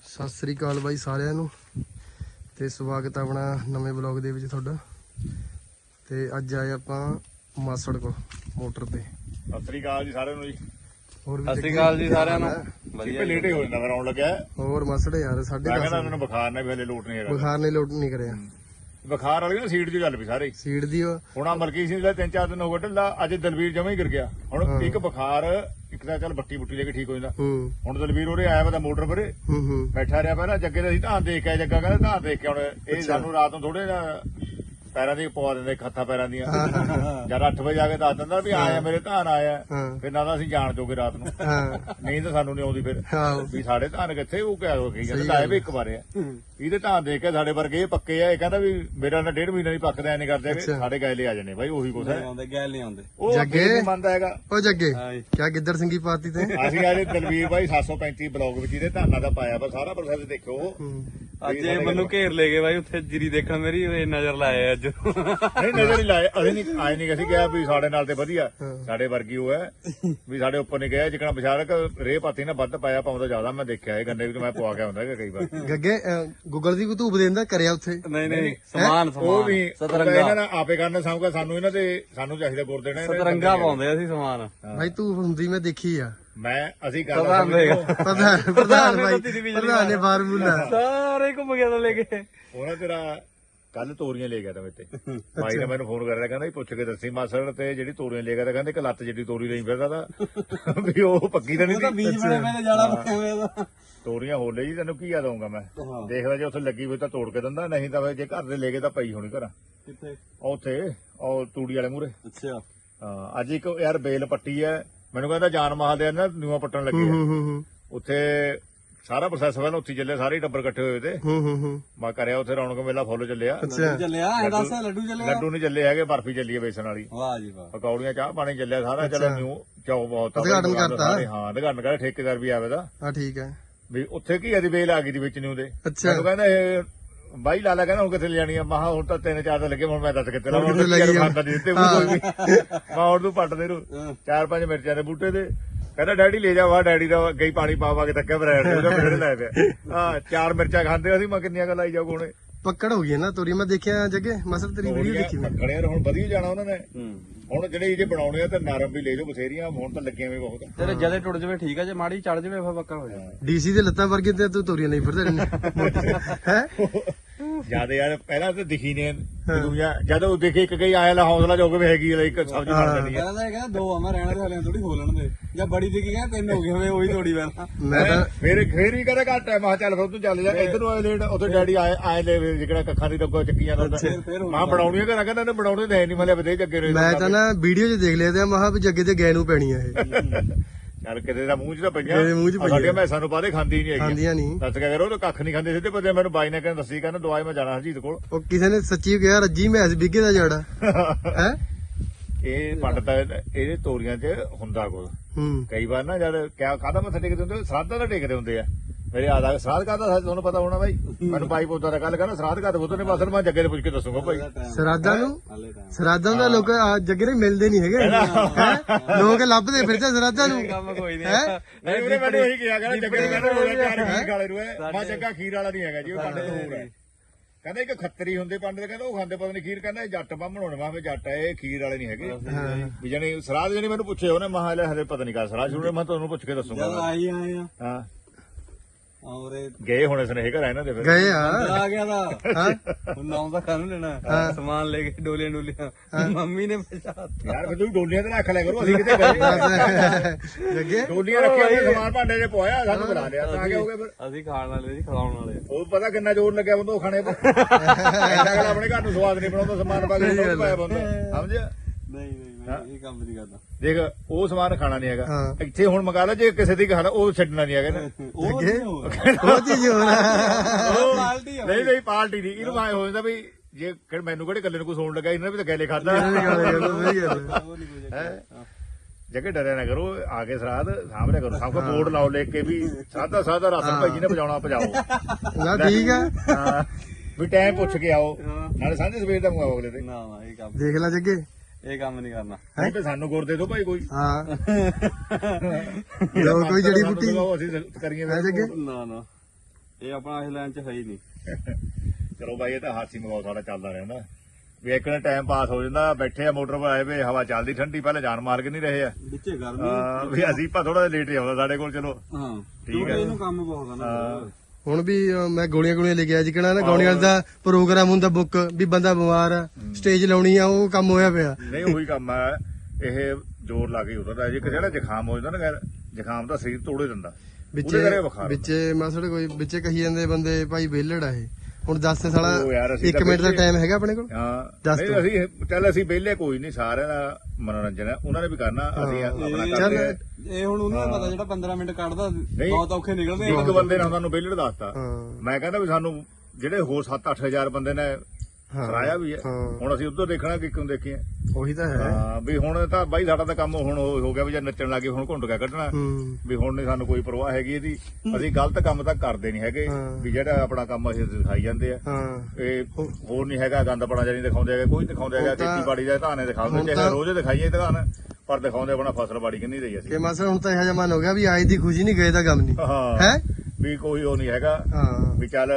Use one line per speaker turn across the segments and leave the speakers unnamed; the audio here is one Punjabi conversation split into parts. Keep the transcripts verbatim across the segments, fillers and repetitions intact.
ਸਤਿ ਸ੍ਰੀ ਅਕਾਲ ਬਾਈ ਸਾਰਿਆਂ ਨੂੰ ਤੇ ਸਵਾਗਤ ਹੈ ਆਪਣਾ ਨਵੇਂ ਬਲੌਗ ਦੇ ਵਿੱਚ ਤੁਹਾਡਾ। ਤੇ ਅੱਜ ਆਏ ਆਪਾਂ ਮਾਸੜ ਕੋ ਮੋਟਰ ਤੇ।
ਸਤਿ ਸ੍ਰੀ ਅਕਾਲ ਜੀ ਸਾਰਿਆਂ ਨੂੰ ਜੀ।
ਹੋਰ
ਸਤਿ ਸ੍ਰੀ ਅਕਾਲ ਜੀ ਸਾਰਿਆਂ ਨੂੰ।
ਵਧੀਆ ਲੇਟ ਹੀ ਹੋ ਜਾਂਦਾ ਫਿਰ ਆਉਣ ਲੱਗਿਆ।
ਹੋਰ ਮਾਸੜ ਯਾਰ ਸਾਡੇ
ਮੈਂ ਕਹਿੰਦਾ ਉਹਨਾਂ ਨੂੰ ਬੁਖਾਰ ਨੇ ਵੀ ਹਲੇ ਲੋਟ ਨਹੀਂ ਹੈਗਾ।
ਬੁਖਾਰ ਨੇ ਲੋਟ ਨਹੀਂ ਕਰਿਆ।
ਬੁਖਾਰ ਵਾਲੀ ਨਾ ਸੀਟ 'ਚ ਚੱਲ ਪਈ ਸਾਰੇ
ਸੀਟ ਦੀ ਉਹ
ਹੁਣ ਆ ਮਲਕੀ ਸਿੰਘ ਦਾ ਤਿੰਨ ਚਾਰ ਦਿਨ ਹੋ ਗਏ ਢਿੱਲਾ। ਅੱਜ ਦਲਵੀਰ ਜਮਾ ਹੀ ਗਿਰ ਗਿਆ। ਹੁਣ ਇੱਕ ਬੁਖਾਰ ਇੱਕ ਤਾਂ ਚੱਲ ਬੱਟੀ ਬੁੱਟੀ ਲੈ ਕੇ ਠੀਕ ਹੋ ਜਾਂਦਾ।
ਹੂੰ
ਹੁਣ ਦਲਵੀਰ ਉਰੇ ਆਇਆ ਵਾ ਮੋਟਰ ਪਰੇ
ਹੂੰ ਹੂੰ
ਬੈਠਾ ਰਿਹਾ ਪਹਿਲਾਂ ਜੱਗੇ ਦਾ ਅਸੀਂ ਧਾਨ ਦੇਖ ਕੇ ਆਏ। ਜੱਗਾ ਕਹਿੰਦਾ ਧਾਨ ਦੇਖ ਕੇ ਹੁਣ ਇਹ ਸਾਨੂੰ ਰਾਤ ਨੂੰ ਥੋੜੇ ਪੈਰਾਂ ਦੀ ਪਵਾ ਦਿੰਦੇ ਹੱਥਾਂ ਪੈਰਾਂ ਦੀਆਂ। ਜਦ ਅੱਠ ਵਜੇ ਆ ਕੇ ਦੱਸ ਦਿੰਦਾ ਵੀ ਆਇਆ ਮੇਰੇ ਧਾਨ ਆਇਆ। ਫਿਰ ਨਾ ਤਾਂ ਅਸੀਂ ਜਾਣ ਜੋਗੇ ਰਾਤ ਨੂੰ ਨਹੀਂ ਤਾਂ ਸਾਨੂੰ ਨਹੀਂ ਆਉਂਦੀ ਫਿਰ ਵੀ ਸਾਡੇ ਧਾਨ ਕਿੱਥੇ ਉਹ ਕਿਆ ਹੋ ਗਈ ਜਾਂਦਾ ਆਏ ਵੀ ਇੱਕ ਵਾਰ ਆ ਇਹਦੇ ਧਾਨ ਦੇਖ ਕੇ ਸਾਡੇ ਵਰਗੇ ਇਹ ਪੱਕੇ ਆ। ਇਹ ਕਹਿੰਦਾ ਵੀ ਮੇਰਾ ਨਾ ਡੇਢ ਮਹੀਨਾ ਨਹੀਂ ਪੱਕਦਾ ਐ ਨਹੀਂ ਕਰਦੇ ਸਾਡੇ ਗੈਲੇ ਆ ਜਾਣੇ ਬਾਈ ਉਹੀ ਕੁਛ ਹੈ।
ਗੈਲ ਨਹੀਂ ਆਉਂਦੇ
ਉਹ ਜੱਗੇ ਮੰਨਦਾ ਹੈਗਾ।
ਉਹ ਜੱਗੇ ਕਿਆ ਗਿੱਦੜ ਸਿੰਘੀ ਪਾਤੀ ਤੇ
ਅਸੀਂ ਅੱਜ ਦਲਵੀਰ ਬਾਈ ਸੱਤ ਸੌ ਪੈਂਤੀ ਬਲੌਗ ਵਿੱਚ ਇਹਦੇ ਧਾਨਾਂ ਦਾ ਪਾਇਆ ਵਾ ਸਾਰਾ ਪ੍ਰੋਸੈਸ ਦੇਖਿਓ।
ਅੱਜ ਇਹ ਮੈਨੂੰ ਘੇਰ ਲੈ ਗਏ ਬਾਈ ਉੱਥੇ ਜੀਰੀ ਦੇਖਣ ਮੇਰੀ ਨਜ਼ਰ ਲਾਇਆ ਅੱਜ।
ਨਹੀਂ ਨਜ਼ਰ ਨਹੀਂ ਲਾਏ ਅਸੀਂ ਨਹੀਂ ਆਏ ਨਹੀਂ ਅਸੀਂ ਕਿਹਾ ਵੀ ਸਾਡੇ ਨਾਲ ਤੇ ਵਧੀਆ ਸਾਡੇ ਵਰਗੀ ਉਹ ਹੈ ਵੀ ਸਾਡੇ ਉੱਪਰ ਨਹੀਂ ਗਿਆ ਜਿਕਣਾ ਵਿਚਾਰਕ ਰੇਹ ਪਾਤੀ ਨਾ ਵੱਧ ਪਾਇਆ ਪਾਉਂਦਾ ਜ਼ਿਆਦਾ ਮੈਂ ਦੇਖਿਆ ਇਹ ਗੰਨੇ ਵੀ ਮੈਂ ਪਵਾ ਕੇ ਆਉਂਦਾ ਕਈ ਵਾਰ।
ਗੱਗੇ ਗੂਗਲ ਦੀ ਧੂਪ ਦੇਂਦਾ ਕਰਿਆ ਉੱਥੇ
ਨਹੀਂ ਨਹੀਂ ਸਮਾਨ
ਉਹ ਵੀ
ਸਤਰੰਗਾ
ਇਹਨਾਂ ਨੇ ਆਪੇ ਕਰਨਾ ਸਾਂਭਗਾ ਸਾਨੂੰ ਇਹਨਾਂ ਤੇ ਸਾਨੂੰ ਚਾਹੀਦਾ ਗੁਰ ਦੇਣਾ
ਸਤਰੰਗਾ ਪਾਉਂਦੇ ਅਸੀਂ ਸਮਾਨ।
ਭਾਈ ਧੂਪ ਹੁੰਦੀ ਮੈਂ ਦੇਖੀ ਆ।
ਮੈਂ ਅਸੀਂ ਗੱਲ
ਪ੍ਰਧਾਨ ਪ੍ਰਧਾਨ ਭਾਈ ਪ੍ਰਧਾਨ ਨੇ ਫਾਰਮੂਲਾ
ਸਾਰੇ ਘੁੰਮ ਗਿਆ ਤਾਂ ਲੈ ਕੇ
ਉਹਨਾਂ ਤੇਰਾ ਕੱਲ ਤੋਰੀਆਂ ਲੈ ਗਿਆ ਤਾਂ ਮੇਤੇ ਭਾਈ ਨੇ ਮੈਨੂੰ ਫੋਨ ਕਰ ਰਿਹਾ ਕਹਿੰਦਾ ਪੁੱਛ ਕੇ ਦੱਸੀ ਮਾਸੜ ਤੇ ਜਿਹੜੀ ਤੋਰੀਆਂ ਲੈ ਗਿਆ ਤਾਂ ਕਹਿੰਦੇ ਇੱਕ ਲੱਤ ਜਿੱਡੀ ਤੋਰੀ ਲਈ ਫਿਰਦਾ ਤਾਂ ਵੀ ਉਹ ਪੱਕੀ ਤਾਂ ਨਹੀਂ ਸੀ।
ਬੀਜ ਬਣੇ ਮੈਂ ਜਾਣਾ ਪਿਆ
ਤੋਰੀਆਂ ਹੋ ਲੈ ਜੀ ਤੈਨੂੰ ਕੀ ਆ ਦਊਂਗਾ ਮੈਂ ਦੇਖਦਾ ਜੇ ਉੱਥੇ ਲੱਗੀ ਹੋਈ ਤਾਂ ਤੋੜ ਕੇ ਦਿੰਦਾ ਨਹੀਂ ਤਾਂ ਜੇ ਘਰ ਦੇ ਲੈ ਕੇ ਤਾਂ ਪਈ ਹੋਣੀ ਘਰਾਂ
ਕਿੱਥੇ
ਉੱਥੇ ਉਹ ਤੂੜੀ ਵਾਲੇ ਮੂਹਰੇ।
ਅੱਛਾ
ਹਾਂ ਅੱਜ ਇੱਕ ਯਾਰ ਬੇਲ ਪੱਟੀ ਐ ਮੈਨੂੰ ਕਹਿੰਦਾ ਜਾਨ ਮਹਾਲ ਦੇ ਨਾ ਨਿਊਆ ਪੱਟਣ ਲੱਗੇ ਆ ਉੱਥੇ ਸਾਰਾ ਪ੍ਰੋਸੈਸ ਪਹਿਲਾਂ ਉੱਥੇ ਚੱਲਿਆ ਸਾਰੇ ਟੱਬਰ ਇਕੱਠੇ ਹੋਏ ਤੇ
ਹੂੰ ਹੂੰ ਹੂੰ
ਮੈਂ ਕਰਿਆ ਉੱਥੇ ਰੌਣਕ ਮੇਲਾ ਫੁੱਲ ਚੱਲਿਆ।
ਚੱਲਿਆ ਐ ਦੱਸ ਲੱਡੂ ਚੱਲਿਆ
ਲੱਡੂ ਨਹੀਂ ਚੱਲੇ ਹੈਗੇ ਬਰਫੀ ਚੱਲੀ ਹੈ ਬੇਸਣ ਵਾਲੀ
ਵਾਹ ਜੀ ਵਾਹ
ਪਕੌੜੀਆਂ ਚਾਹ ਪਾਣੀ ਚੱਲਿਆ ਸਾਰਾ ਚਲੋ ਨਿਊ ਚੌ ਬਹੁਤ
ਉਦਘਾਟਨ ਕਰਤਾ।
ਹਾਂ ਉਦਘਾਟਨ ਕਰ ਠੇਕੇਦਾਰ ਵੀ ਆਵੇ ਦਾ
ਹਾਂ ਠੀਕ ਹੈ
ਵੀ ਉੱਥੇ ਕੀ ਇਹਦੀ ਬੇਲ ਆ ਗਈ ਦੀ ਵਿੱਚ ਨਿਊ ਦੇ
ਅੱਛਾ
ਮੈਨੂੰ ਕਹਿੰਦਾ ਇਹ ਬਾਈ ਲਾਲਾ ਕਹਿੰਦਾ ਹੁਣ ਕਿੱਥੇ ਲਿਆਣੀ ਆ ਮਹਾ ਹੁਣ ਤਾਂ ਤਿੰਨ ਚਾਰ ਤਾਂ ਲੱਗੇ ਹੁਣ ਮੈਂ ਦੱਸ ਕਿੱਥੇ ਲਾਉਣਾ
ਕਿੱਥੇ ਲੱਗੀ ਆ?
ਖਾਂਦਾ ਨਹੀਂ ਦਿੱਤੇ ਕੋਈ ਵੀ ਮੈਂ ਹੁਣ ਤੂੰ ਪੱਟਦੇ ਨੂੰ ਚਾਰ ਪੰਜ ਮਿਰਚਾਂ ਦੇ ਬੂਟੇ ਤੇ ਕਹਿੰਦਾ ਡੈਡੀ ਲੈ ਜਾ ਵਾ ਡੈਡੀ ਦਾ ਅੱਗੇ ਹੀ ਪਾਣੀ ਪਾ ਪਾ ਕੇ ਤੱਕਿਆ ਬਰੈਡ ਦੇ ਉਹਦਾ ਮੇਰੇ ਲੈ ਪਿਆ ਹਾਂ ਚਾਰ ਮਿਰਚਾਂ ਖਾਂਦੇ ਅਸੀਂ ਮੈਂ ਕਿੰਨੀਆਂ ਗੱਲਾਂ ਆਈ ਜਾਊ ਕੋਣੇ
ਪੱਕੜ ਹੋ ਗਈ ਨਾ ਤੋਰੀ ਮੈਂ ਦੇਖਿਆ ਜੱਗੇ ਮਸਲ ਤੇਰੀ ਵੀਡੀਓ ਦੇਖੀ ਮੈਂ
ਪੱਕੜਿਆ ਹੁਣ ਵਧੀਆ ਜਾਣਾ ਉਹਨਾਂ ਨੇ ਹੁਣ ਜਿਹੜੇ ਇਹ ਜੇ ਬਣਾਉਣੇ ਆ ਤੇ ਨਰਮ ਵੀ ਲੈ ਜਾਓ ਬਥੇਰੀਆਂ ਹੁਣ ਤਾਂ ਲੱਗੀਆਂ ਵੀ ਬਹੁਤ
ਤੇਰੇ ਜਦੇ ਟੁੱਟ ਜਵੇ ਠੀਕ ਆ ਜੇ ਮਾੜੀ ਚੜ ਜਵੇ ਫਾ ਪੱਕਾ ਹੋ ਜਾਣਾ।
ਡੀਸੀ ਦੇ ਲੱਤਾਂ ਵਰਗੇ ਤੇ ਤੂੰ ਤੋਰੀਆਂ ਨਹੀਂ ਫਿਰਦੇ ਰਹਿੰਦੇ ਹੈ
ਜਿਆਦਾ ਯਾਰ ਪਹਿਲਾਂ ਤਾਂ ਦਿਖੀ ਨੇ ਦੁਨੀਆ ਜਦੋਂ ਦੇਖੇ ਇੱਕ ਗਈ ਆਇਆ ਲਾ ਹੌਸਲਾ ਜੋਗ ਵੀ ਹੈਗੀ ਇੱਕ ਸਬਜ਼ੀ ਬਣ ਜਾਂਦੀ ਹੈ।
ਕਹਿੰਦਾ ਕਹਿੰਦਾ ਦੋ ਆ ਮੈਂ ਰਹਿਣਾ ਤੇ ਹਲੇ ਥੋੜੀ ਖੋਲਣ ਦੇ ਜਾਂ ਬੜੀ ਦੀ ਕੀ ਕਹਿੰਦਾ ਤਿੰਨ ਹੋ ਗਏ ਹੋਵੇ ਉਹੀ ਥੋੜੀ ਪਹਿਲਾਂ
ਮੈਂ ਤਾਂ
ਫੇਰ ਫੇਰ ਵੀ ਕਹਿੰਦਾ ਘੱਟ ਹੈ। ਮੈਂ ਚੱਲ ਫਿਰ ਤੂੰ ਚੱਲ ਜਾ ਇੱਧਰ ਨੂੰ ਆਏ ਲੇਟ ਉੱਥੇ ਡੈਡੀ ਆਏ ਆਏ ਲੈ ਜਿਹੜਾ ਕੱਖਾਂ ਦੀ ਡੱਬਾ ਚੱਕੀ ਜਾਂਦਾ ਮਾਂ ਬਣਾਉਣੀ ਘਰਾਂ ਕਹਿੰਦਾ ਇਹਨੇ ਬਣਾਉਣੇ ਤਾਂ ਹੈ ਨਹੀਂ ਮਲੇ ਵਧੇ ਜੱਗੇ ਰਹੇ।
ਮੈਂ ਤਾਂ ਨਾ ਵੀਡੀਓ 'ਚ ਦੇਖ ਲਿਆ ਤੇ ਮਹਾ ਵੀ ਜੱਗੇ ਤੇ ਗੈ ਨੂੰ ਪੈਣੀ ਆ ਇਹ
ਚੱਲ ਕਿਤੇ ਦਾ ਮੂੰਹ 'ਚ ਤਾਂ
ਕਿਤੇ ਮੂੰਹ 'ਚ
ਪਈਆਂ
ਪਈਆਂ।
ਸਾਡੀਆਂ ਮੈਸਾਂ ਨੂੰ ਬਾਦੇ ਖਾਂਦੀ ਨਹੀਂ ਹੈਗੀ
ਖਾਂਦੀਆਂ ਨਹੀਂ
ਦੱਸ ਕੇ ਕਰੋ ਤਾਂ ਕੱਖ ਨਹੀਂ ਖਾਂਦੇ ਸਿੱਧੇ ਬੰਦੇ ਮੈਨੂੰ ਬਾਈ ਨੇ ਕਹਿੰਦਾ ਦੱਸੀ ਕਹਿੰਦਾ ਦਵਾਈ ਮੈਂ ਜਾਣਾ ਹਰਜੀਤ ਕੋਲ
ਉਹ ਕਿਸੇ ਨੇ ਸੱਚੀ ਕਿਹਾ ਰੱਜੀ ਮੈਸ ਬਿੱਗੇ ਦਾ ਜੜਾ ਹੈ
ਇਹ ਪੰਡ ਤਾਂ ਇਹਦੇ ਤੋਰੀਆਂ 'ਚ ਹੁੰਦਾ ਕੁਝ
ਹੂੰ
ਕਈ ਵਾਰ ਨਾ ਜਦ ਕਿਆ ਕਾਹਦਾ ਮੱਥਾ ਟੇਕਦੇ ਹੁੰਦੇ ਸਰਾਧਾਂ ਦਾ ਟੇਕਦੇ ਹੁੰਦੇ ਆ ਮੇਰੇ ਆਦਾ ਸਰਾਧ ਕਾਹਦਾ ਤੁਹਾਨੂੰ ਪਤਾ ਹੋਣਾ ਬਾਈ ਮੈਨੂੰ ਬਾਈ ਪੁੱਤਾਂ ਦਾ ਗੱਲ ਕਰਨਾ ਸਰਾਧ ਕਾਹਦਾ ਪੁੱਤ ਨੇ ਬਸ ਮੈਂ ਜੱਗੇ ਦੇ ਪੁੱਛ ਕੇ ਦੱਸੂਗਾ ਭਾਈ
ਸਰਾਧਾਂ ਨੂੰ ਸਰਾਧਾਂ ਦਾ ਲੋਕ ਜੱਗੇ ਨੇ ਮਿਲਦੇ ਨਹੀਂ ਹੈਗੇ ਲੋਕ ਲੱਭਦੇ ਫਿਰਦੇ ਸਰਾਧਾਂ ਨੂੰ
ਕੰਮ ਕੋਈ ਨਹੀਂ
ਨਹੀਂ ਉਹਨੇ ਮੈਨੂੰ ਇਹੀ ਕਿਹਾ ਕਹਿੰਦਾ ਜੱਗੇ ਨੇ ਕਹਿੰਦਾ ਉਹਦੇ ਚਾਰ ਖੀਰ ਵਾਲੇ ਨੂੰ ਹੈ ਮੈਂ ਜੱਗਾ ਖੀਰ ਵਾਲਾ ਨਹੀਂ ਹੈਗਾ ਜੀ ਉਹ ਪੰਡ ਤੋਂ ਹੋਰ ਹੈ। ਕਹਿੰਦਾ ਇੱਕ ਖੱਤਰੀ ਹੁੰਦੇ ਪੰਡ ਦੇ ਕਹਿੰਦਾ ਉਹ ਖਾਂਦੇ ਪਤਾ ਨਹੀਂ ਖੀਰ ਕਹਿੰਦਾ ਇਹ ਜੱਟ ਬਾਹਮਣ ਹੋਣੇ ਮੈਂ ਜੱਟ ਹੈ ਇਹ ਖੀਰ ਵਾਲੇ ਨਹੀਂ ਹੈਗੇ ਵੀ ਜਣੀ ਸਰਾਧ ਜਣੀ ਮੈਨੂੰ ਪੁੱਛੇ ਉਹਨੇ ਮਹਾ ਲੈ ਹਲੇ ਪਤਾ ਨਹੀਂ ਕਾ ਸਰਾਧ ਸ਼ੁਰੂ ਮੈਂ ਤੁਹਾਨੂੰ ਪੁੱਛ ਕੇ ਦੱਸੂਗਾ।
ਆਈ ਆਏ ਆ
ਹਾਂ
ਔਰੇ
ਗਏ ਹੋਣੇ ਸਨੇਹ ਘਰ ਇਹਨਾਂ ਦੇ ਫਿਰ
ਗਏ ਆ
ਆ ਗਿਆ ਦਾ ਹੁਣ ਨਾਮ ਦਾ ਕਾਹਨੂੰ ਲੈਣਾ ਸਮਾਨ ਲੈ ਕੇ ਡੋਲੀਆਂ ਡੋਲੀਆਂ ਮੰਮੀ ਨੇ ਪਛਾਤ
ਯਾਰ ਫਿਰ ਤੂੰ ਡੋਲੀਆਂ ਤੇ ਰੱਖ ਲਿਆ ਕਰੋ ਅਸੀਂ ਕਿਤੇ ਗਏ
ਜੱਗੇ
ਡੋਲੀਆਂ ਰੱਖੀਆਂ ਸਮਾਨ ਭਾਂਡੇ 'ਚ ਪੋਇਆ ਸਾਨੂੰ ਬੁਲਾ ਲਿਆ ਤਾਂ ਕਿਆ ਹੋ ਗਿਆ ਫਿਰ
ਅਸੀਂ ਖਾਣ ਵਾਲੇ ਸੀ ਖਿਲਾਉਣ ਵਾਲੇ
ਉਹ ਪਤਾ ਕਿੰਨਾ ਜ਼ੋਰ ਲੱਗਿਆ ਬੰਦਾ ਉਹ ਖਾਣੇ ਪਰ ਅਗਲਾ ਆਪਣੇ ਘਰ ਨੂੰ ਸਵਾਦ ਨਹੀਂ ਬਣਾਉਂਦਾ ਸਮਾਨ ਪਾ ਕੇ ਪਾਇਆ ਬੰਦਾ ਸਮਝਿਆ
ਨਹੀਂ ਨਹੀਂ ਮੈਂ ਇਹ ਕੰਮ ਨਹੀਂ ਕਰਦਾ।
ਦੇਖ ਉਹ ਸਮਾਨ ਖਾਣਾ ਨਹੀਂ ਹੈਗਾ ਇੱਥੇ ਹੁਣ ਮੰਗਾ ਲੈ ਜੇ ਕਿਸੇ ਦੀ ਖਾਣਾ ਉਹ ਛੱਡਣਾ ਨਹੀਂ ਹੈਗਾ ਨਾ
ਉਹ
ਉਹ ਚੀਜ਼ ਹੋ
ਪਾਲਟੀ
ਨਹੀਂ ਨਹੀਂ ਪਾਰਟੀ ਨਹੀਂ ਇਹਨੂੰ ਆਏ ਹੋ ਜਾਂਦਾ ਵੀ ਜੇ ਮੈਨੂੰ ਕਿਹੜੇ ਕੱਲੇ ਨੂੰ ਕੁਝ ਹੋਣ ਲੱਗਾ ਇਹਨਾਂ ਵੀ ਤਾਂ ਗੈਲੇ ਖਾਦਾ ਜੱਗੇ ਡਰਿਆ ਨਾ ਕਰੋ ਆ ਕੇ ਸਰਾਧ ਸਾਹਮਣੇ ਕਰੋ ਸਭ ਕੋ ਬੋਰਡ ਲਾਓ ਲੈ ਕੇ ਵੀ ਸਾਦਾ ਸਾਦਾ ਰਾਸ਼ਨ ਭਾਈ ਜੀ ਨੇ ਵਜਾਉਣਾ ਭਜਾਓ
ਨਾ ਠੀਕ ਆ
ਹਾਂ ਵੀ ਟਾਈਮ ਪੁੱਛ ਕੇ ਆਓ ਨਾਲੇ ਸਾਂਝੇ ਸਵੇਰ ਦਾ ਮੰਗਾਓ ਅਗਲੇ ਤੇ
ਨਾ ਨਾ ਇਹ ਕੰਮ
ਦੇਖ ਲੈ ਜੱਗੇ
ਇਹ ਕੰਮ ਨਹੀਂ ਕਰਨਾ
ਨਹੀਂ ਤੇ ਸਾਨੂੰ ਗੁਰ ਦੇ ਦਿਓ ਭਾਈ ਕੋਈ
ਹਾਂ ਲੋ ਕੋਈ ਜੜੀ ਬੂਟੀ
ਅਸੀਂ ਕਰੀਏ
ਹੈ ਜੱਗੇ
ਨਾ ਨਾ ਇਹ ਆਪਣਾ ਇਸ ਲਾਈਨ 'ਚ ਹੈ ਹੀ ਨਹੀਂ।
ਚਲੋ ਬਾਈ ਇਹ ਤਾਂ ਹਾਸੀ ਮਗਾਉ ਸਾਡਾ ਚੱਲਦਾ ਰਹਿੰਦਾ ਵੀ ਇੱਕ ਨੇ ਟਾਈਮ ਪਾਸ ਹੋ ਜਾਂਦਾ। ਬੈਠੇ ਆ ਮੋਟਰ 'ਤੇ ਆਏ ਵੇ, ਹਵਾ ਚੱਲਦੀ ਠੰਡੀ, ਪਹਿਲਾਂ ਜਾਨ ਮਾਰ ਕੇ ਨਹੀਂ ਰਹੇ ਆ
ਵਿੱਚੇ ਗਰਮੀ
ਹਾਂ, ਵੀ ਅਸੀਂ ਭਾ ਥੋੜਾ ਲੇਟ ਆਉਂਦਾ ਸਾਡੇ ਕੋਲ। ਚਲੋ
ਹਾਂ
ਠੀਕ ਹੈ।
ਇਹਨੂੰ ਕੰਮ ਬਹੁਤ ਆ ਨਾ।
ਹੁਣ ਵੀ ਅਹ, ਮੈਂ ਗੋਲੀਆਂ ਗੋਲੀਆਂ ਲੈ ਕੇ ਆਇਆ ਜਿਕਣਾ ਨਾ ਗਾਉਣੀ ਵਾਲਾ ਦਾ ਪ੍ਰੋਗਰਾਮ ਹੁੰਦਾ ਬੁੱਕ ਵੀ ਬੰਦਾ ਬਿਮਾਰ ਆ ਸਟੇਜ ਲਾਉਣੀ ਆ, ਉਹ ਕੰਮ ਹੋਇਆ ਪਿਆ।
ਨਹੀਂ ਉਹੀ ਕੰਮ ਆ ਇਹ ਜ਼ੋਰ ਲਾ ਕੇ ਉਤਰਦਾ। ਜੇ ਕਿਸੇ ਦਾ ਜ਼ੁਕਾਮ ਹੋ ਜਾਂਦਾ ਨਾ, ਜ਼ੁਕਾਮ ਦਾ ਸਰੀਰ ਤੋੜੇ ਦਿੰਦਾ ਉਹਦੇ ਘਰੇ ਬੁਖਾਰ
ਵਿੱਚੇ ਮਾਸੜ ਕੋਈ ਵਿੱਚੇ ਕਹੀ ਜਾਂਦੇ ਬੰਦੇ ਭਾਈ ਵਿਹਲੜ ਆ ਇਹ। ਹੁਣ ਦੱਸ ਤੇ ਸਾਲਾ
ਉਹ ਯਾਰ ਅਸੀਂ
ਇੱਕ
ਤਾਂ
ਮਿੰਟ ਦਾ
ਵਿਹਲੇ-
ਟਾਈਮ ਹੈਗਾ ਆਪਣੇ ਕੋਲ।
ਹਾਂ
ਦੱਸ
ਨਹੀਂ
ਤੂੰ।
ਅਸੀਂ ਚੱਲ ਅਸੀਂ ਵਿਹਲੇ ਕੋਈ ਨਹੀਂ, ਸਾਰਿਆਂ ਦਾ ਮਨੋਰੰਜਨ ਹੈ, ਉਹਨਾਂ ਨੇ ਵੀ ਕਰਨਾ, ਅਸੀਂ ਆਪਣਾ
ਇਹ-
ਕਰਦੇ ਆ।
ਇਹ ਹੁਣ ਉਹਨੂੰ ਨੀ ਪਤਾ ਜਿਹੜਾ ਪੰਦਰਾਂ ਮਿੰਟ ਕੱਢਦਾ ਬਹੁਤ ਔਖੇ ਨਿਕਲਦੇ
ਇੱਕ ਬੰਦੇ ਨੇ ਤੁਹਾਨੂੰ ਵਿਹਲੜ ਦੱਸਤਾ।
ਹਾਂ
ਮੈਂ ਕਹਿੰਦਾ ਵੀ ਸਾਨੂੰ ਜਿਹੜੇ ਹੋਰ ਸੱਤ ਅੱਠ ਹਜ਼ਾਰ ਬੰਦੇ ਨੇ ਕਰਾਇਆ ਵੀ ਹੈ,
ਹਾਂ।
ਹੁਣ ਅਸੀਂ ਉਧਰ ਦੇਖਣਾ ਕਿ ਕਿਉਂ ਦੇਖੀਏ।
ਉਹੀ ਤਾਂ ਹੈ।
ਹਾਂ ਵੀ ਹੁਣ ਤਾਂ ਬਾਈ ਸਾਡਾ ਤਾਂ ਕੰਮ ਹੁਣ ਹੋ ਹੋ ਗਿਆ ਵੀ ਜੇ ਨੱਚਣ ਲੱਗੇ ਹੁਣ ਘੁੰਡ ਕੇ ਕੱਢਣਾ
ਹੂੰ
ਵੀ ਹੁਣ ਨਹੀਂ ਸਾਨੂੰ ਕੋਈ ਪਰਵਾਹ ਹੈਗੀ ਇਹਦੀ। ਅਸੀਂ ਗਲਤ ਕੰਮ ਤਾਂ ਕਰਦੇ ਨਹੀਂ ਹੈਗੇ
ਹਾਂ।
ਵੀ ਜਿਹੜਾ ਆਪਣਾ ਕੰਮ ਅਸੀਂ ਦਿਖਾਈ ਜਾਂਦੇ ਆ।
ਹਾਂ
ਇਹ ਹੋਰ ਨਹੀਂ ਹੈਗਾ ਗੰਦ ਪੜਾ ਜਾਨੀ ਦਿਖਾਉਂਦੇ ਹੈਗੇ, ਕੋਈ ਦਿਖਾਉਂਦੇ ਹੈਗਾ
ਹੁਣ ਤਾਂ-
ਖੇਤੀਬਾੜੀ ਦਾ ਧਾਨੇ ਦਿਖਾਉਂਦੇ
ਹੁਣ
ਚਾਹੇ
ਤਾਂ-
ਰੋਜ਼ ਦਿਖਾਈਏ ਧਾਨ, ਪਰ ਦਿਖਾਉਂਦੇ ਆਪਣਾ ਫਸਲਬਾੜੀ ਕਿੰਨੀ ਰਹੀ ਅਸੀਂ।
ਕਿ ਮਾਸੜ ਹੁਣ ਤਾਂ ਇਹੋ ਜਿਹਾ ਮਨ ਹੋ ਗਿਆ ਵੀ ਆਏ ਦੀ ਖੁਸ਼ੀ ਨਹੀਂ ਗਏ ਦਾ ਗਮ ਨਹੀਂ
ਹਾਂ
ਹੈ।
ਵੀ ਕੋਈ ਉਹ ਨਹੀਂ ਹੈਗਾ
ਹਾਂ
ਵੀ ਚੱਲ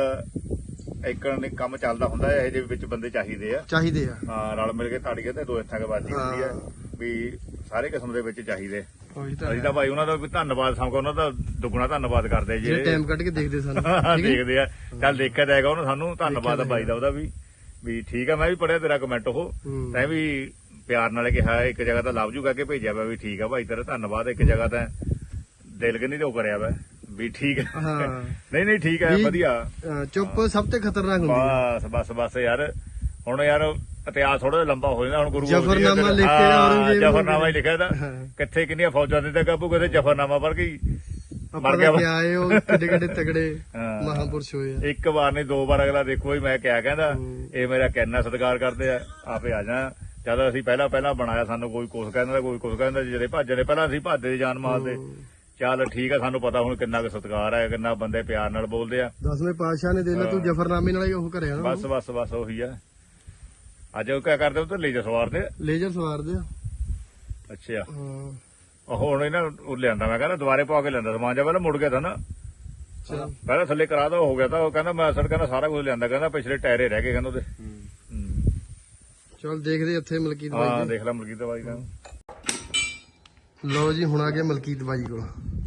ਇੱਕ ਨੇ ਕੰਮ ਚੱਲਦਾ ਹੁੰਦਾ ਹੈ, ਇਹ ਜਿਹੇ ਵਿੱਚ ਬੰਦੇ ਚਾਹੀਦੇ ਆ।
ਚਾਹੀਦੇ ਆ।
ਹਾਂ ਰਲ ਮਿਲ ਕੇ ਤਾੜੀਏ ਤੇ ਦੋ ਹੱਥਾਂ ਕੇ ਬਾਜੀ ਹੁੰਦੀ ਹੈ ਵੀ ਸਾਰੇ ਕਿਸਮ ਦੇ ਵਿੱਚ ਚਾਹੀਦੇ।
ਉਹੀ ਤਾਂ
ਅਸੀਂ ਤਾਂ ਭਾਈ ਉਹਨਾਂ ਦਾ ਵੀ ਧੰਨਵਾਦ ਸਮਝੋ, ਉਹਨਾਂ ਦਾ ਦੁੱਗਣਾ ਧੰਨਵਾਦ ਕਰਦੇ
ਜਿਹੜੇ
ਜੇ
ਟਾਈਮ ਕੱਢ ਕੇ ਦੇਖਦੇ ਸਾਨੂੰ ਠੀਕ ਹੈ।
ਦੇਖਦੇ ਆ। ਚੱਲ ਦੇਖਿਆ ਜਾਏਗਾ ਉਹਨੂੰ, ਸਾਨੂੰ ਧੰਨਵਾਦ ਆ ਬਾਈ ਦਾ ਉਹਦਾ ਵੀ ਵੀ ਠੀਕ ਆ। ਮੈਂ ਵੀ ਪੜਿਆ ਤੇਰਾ ਕਮੈਂਟ ਉਹ
ਹੂੰ।
ਤੈਂ ਵੀ ਪਿਆਰ ਨਾਲ ਕਿਹਾ, ਇੱਕ ਜਗ੍ਹਾ ਤਾਂ ਲਵ ਜੂ ਕਹਿ ਕੇ ਭੇਜਿਆ ਵਾ ਵੀ ਠੀਕ ਆ ਭਾਈ ਤੇਰਾ ਧੰਨਵਾਦ। ਇੱਕ ਜਗ੍ਹਾ ਤਾਂ ਦਿਲ ਕਿ ਨਹੀਂ ਉਹ ਕਰਿਆ ਵਾ ਵੀ ਠੀਕ ਆ।
ਹਾਂ
ਨਹੀਂ ਨਹੀਂ ਠੀਕ ਹੈ
ਵੀ-
ਵਧੀਆ।
ਅਹ ਚੁੱਪ ਸਭ ਤੋਂ ਖਤਰਨਾਕ ਹੁੰਦੀ ਹੈ।
ਬਸ ਬਸ ਬਸ ਯਾਰ ਹੁਣ ਯਾਰ ਇਤਿਹਾਸ ਥੋੜਾ ਲੰਬਾ ਹੋ ਜਾਂਦਾ। ਹੁਣ ਗੁਰੂ ਗੋਬਿੰਦ ਸਿੰਘ
ਜ਼ਫ਼ਰਨਾਮਾ
ਜੀ
ਲਿਖ ਕੇ
ਹਾਂ,
ਔਰੰਗਜ਼ੇਬ
ਜ਼ਫ਼ਰਨਾਮਾ ਹੀ ਲਿਖਿਆ ਦਾ
ਹਾਂ।
ਕਿੱਥੇ ਕਿੰਨੀਆਂ ਫੌਜਾਂ ਦੇ ਤੇ ਕਾਬੂ ਕਿਤੇ ਜ਼ਫ਼ਰਨਾਮਾ ਪਰ ਗਈ
ਆਪਾਂ
ਮਰ ਗਿਆ
ਤਾਂ ਕਿਹਾ ਆਏ ਉਹ ਕਿੱਡੇ ਕਿੱਡੇ ਤਗੜੇ
ਹਾਂ।
ਮਹਾਪੁਰਸ਼ ਹੋਏ ਆ।
ਇੱਕ ਵਾਰ ਨਹੀਂ ਦੋ ਵਾਰ ਅਗਲਾ ਦੇਖੋ ਹੀ ਮੈਂ ਕਿਹਾ ਕਹਿੰਦਾ
ਹੂੰ।
ਇਹ ਮੇਰਾ ਕਿੰਨਾ ਸਤਿਕਾਰ ਕਰਦੇ ਆ, ਆਪੇ ਆ ਜਾ। ਜਦ ਅਸੀਂ ਪਹਿਲਾਂ ਪਹਿਲਾਂ ਬਣਾਇਆ ਸਾਨੂੰ ਕੋਈ ਕੁਛ ਕਹਿੰਦਾ ਕੋਈ ਕੁਛ ਕਹਿੰਦਾ, ਜਿਹੜੇ ਭੱਜਦੇ ਪਹਿਲਾਂ ਅਸੀਂ ਭੱਜਦੇ ਜਾਨ ਮਾਰਦੇ। ਚੱਲ ਠੀਕ ਆ, ਸਾਨੂੰ ਪਤਾ ਹੁਣ ਕਿੰਨਾ ਕੁ ਸਤਿਕਾਰ ਹੈ, ਕਿੰਨਾ ਬੰਦੇ ਪਿਆਰ ਨਾਲ ਬੋਲਦੇ ਆ।
ਦਸਵੇਂ ਪਾਤਸ਼ਾਹ ਨੇ ਦੇ ਲਾ ਤੂੰ ਜ਼ਫਰਨਾਮੇ ਨਾਲ ਹੀ ਉਹ ਕਰਿਆ ਨਾ।
ਬਸ ਬਸ ਬਸ ਉਹੀ ਆ। ਅੱਜ ਉਹ ਕਿਆ ਕਰਦੇ ਉਹ ਤੇ ਲੇਜਰ ਸਵਾਰਦੇ।
ਲੇਜ਼ਰ ਸਵਾਰਦੇ ਆ।
ਅੱਛਾ
ਹਾਂ
ਉਹ ਹੁਣ ਇਹਨਾਂ ਉਹ ਲਿਆਂਦਾ, ਮੈਂ ਕਹਿੰਦਾ ਦੁਬਾਰੇ ਪਾ ਕੇ ਲਿਆਂਦਾ ਸਮਾਨ, ਜਾਂ ਪਹਿਲਾਂ ਮੁੜ ਗਿਆ ਤਾਂ ਨਾ
ਚਲ
ਪਹਿਲਾਂ ਥੱਲੇ ਕਰਾ ਦੋ ਹੋ ਗਿਆ ਤਾਂ ਉਹ ਕਹਿੰਦਾ ਮੈਂ ਅਸਲ ਕਹਿੰਦਾ ਸਾਰਾ ਕੁਝ ਲਿਆਂਦਾ, ਕਹਿੰਦਾ ਪਿਛਲੇ ਟਾਇਰੇ ਰਹਿ ਗਏ ਕਹਿੰਦਾ ਉਹਦੇ। ਹੂੰ।
ਚਲ ਦੇਖਦੇ ਇੱਥੇ ਮਲਕੀਤ
ਹਾਂ
ਬਾਈ
ਦੇਖ ਲੈ ਮਲਕੀਤ ਬਾਈ ਦਾ।
ਦੇ। ਲਓ ਜੀ ਹੁਣ ਆ ਗਿਆ ਮਲਕੀਤ ਬਾਈ ਕੋਲ।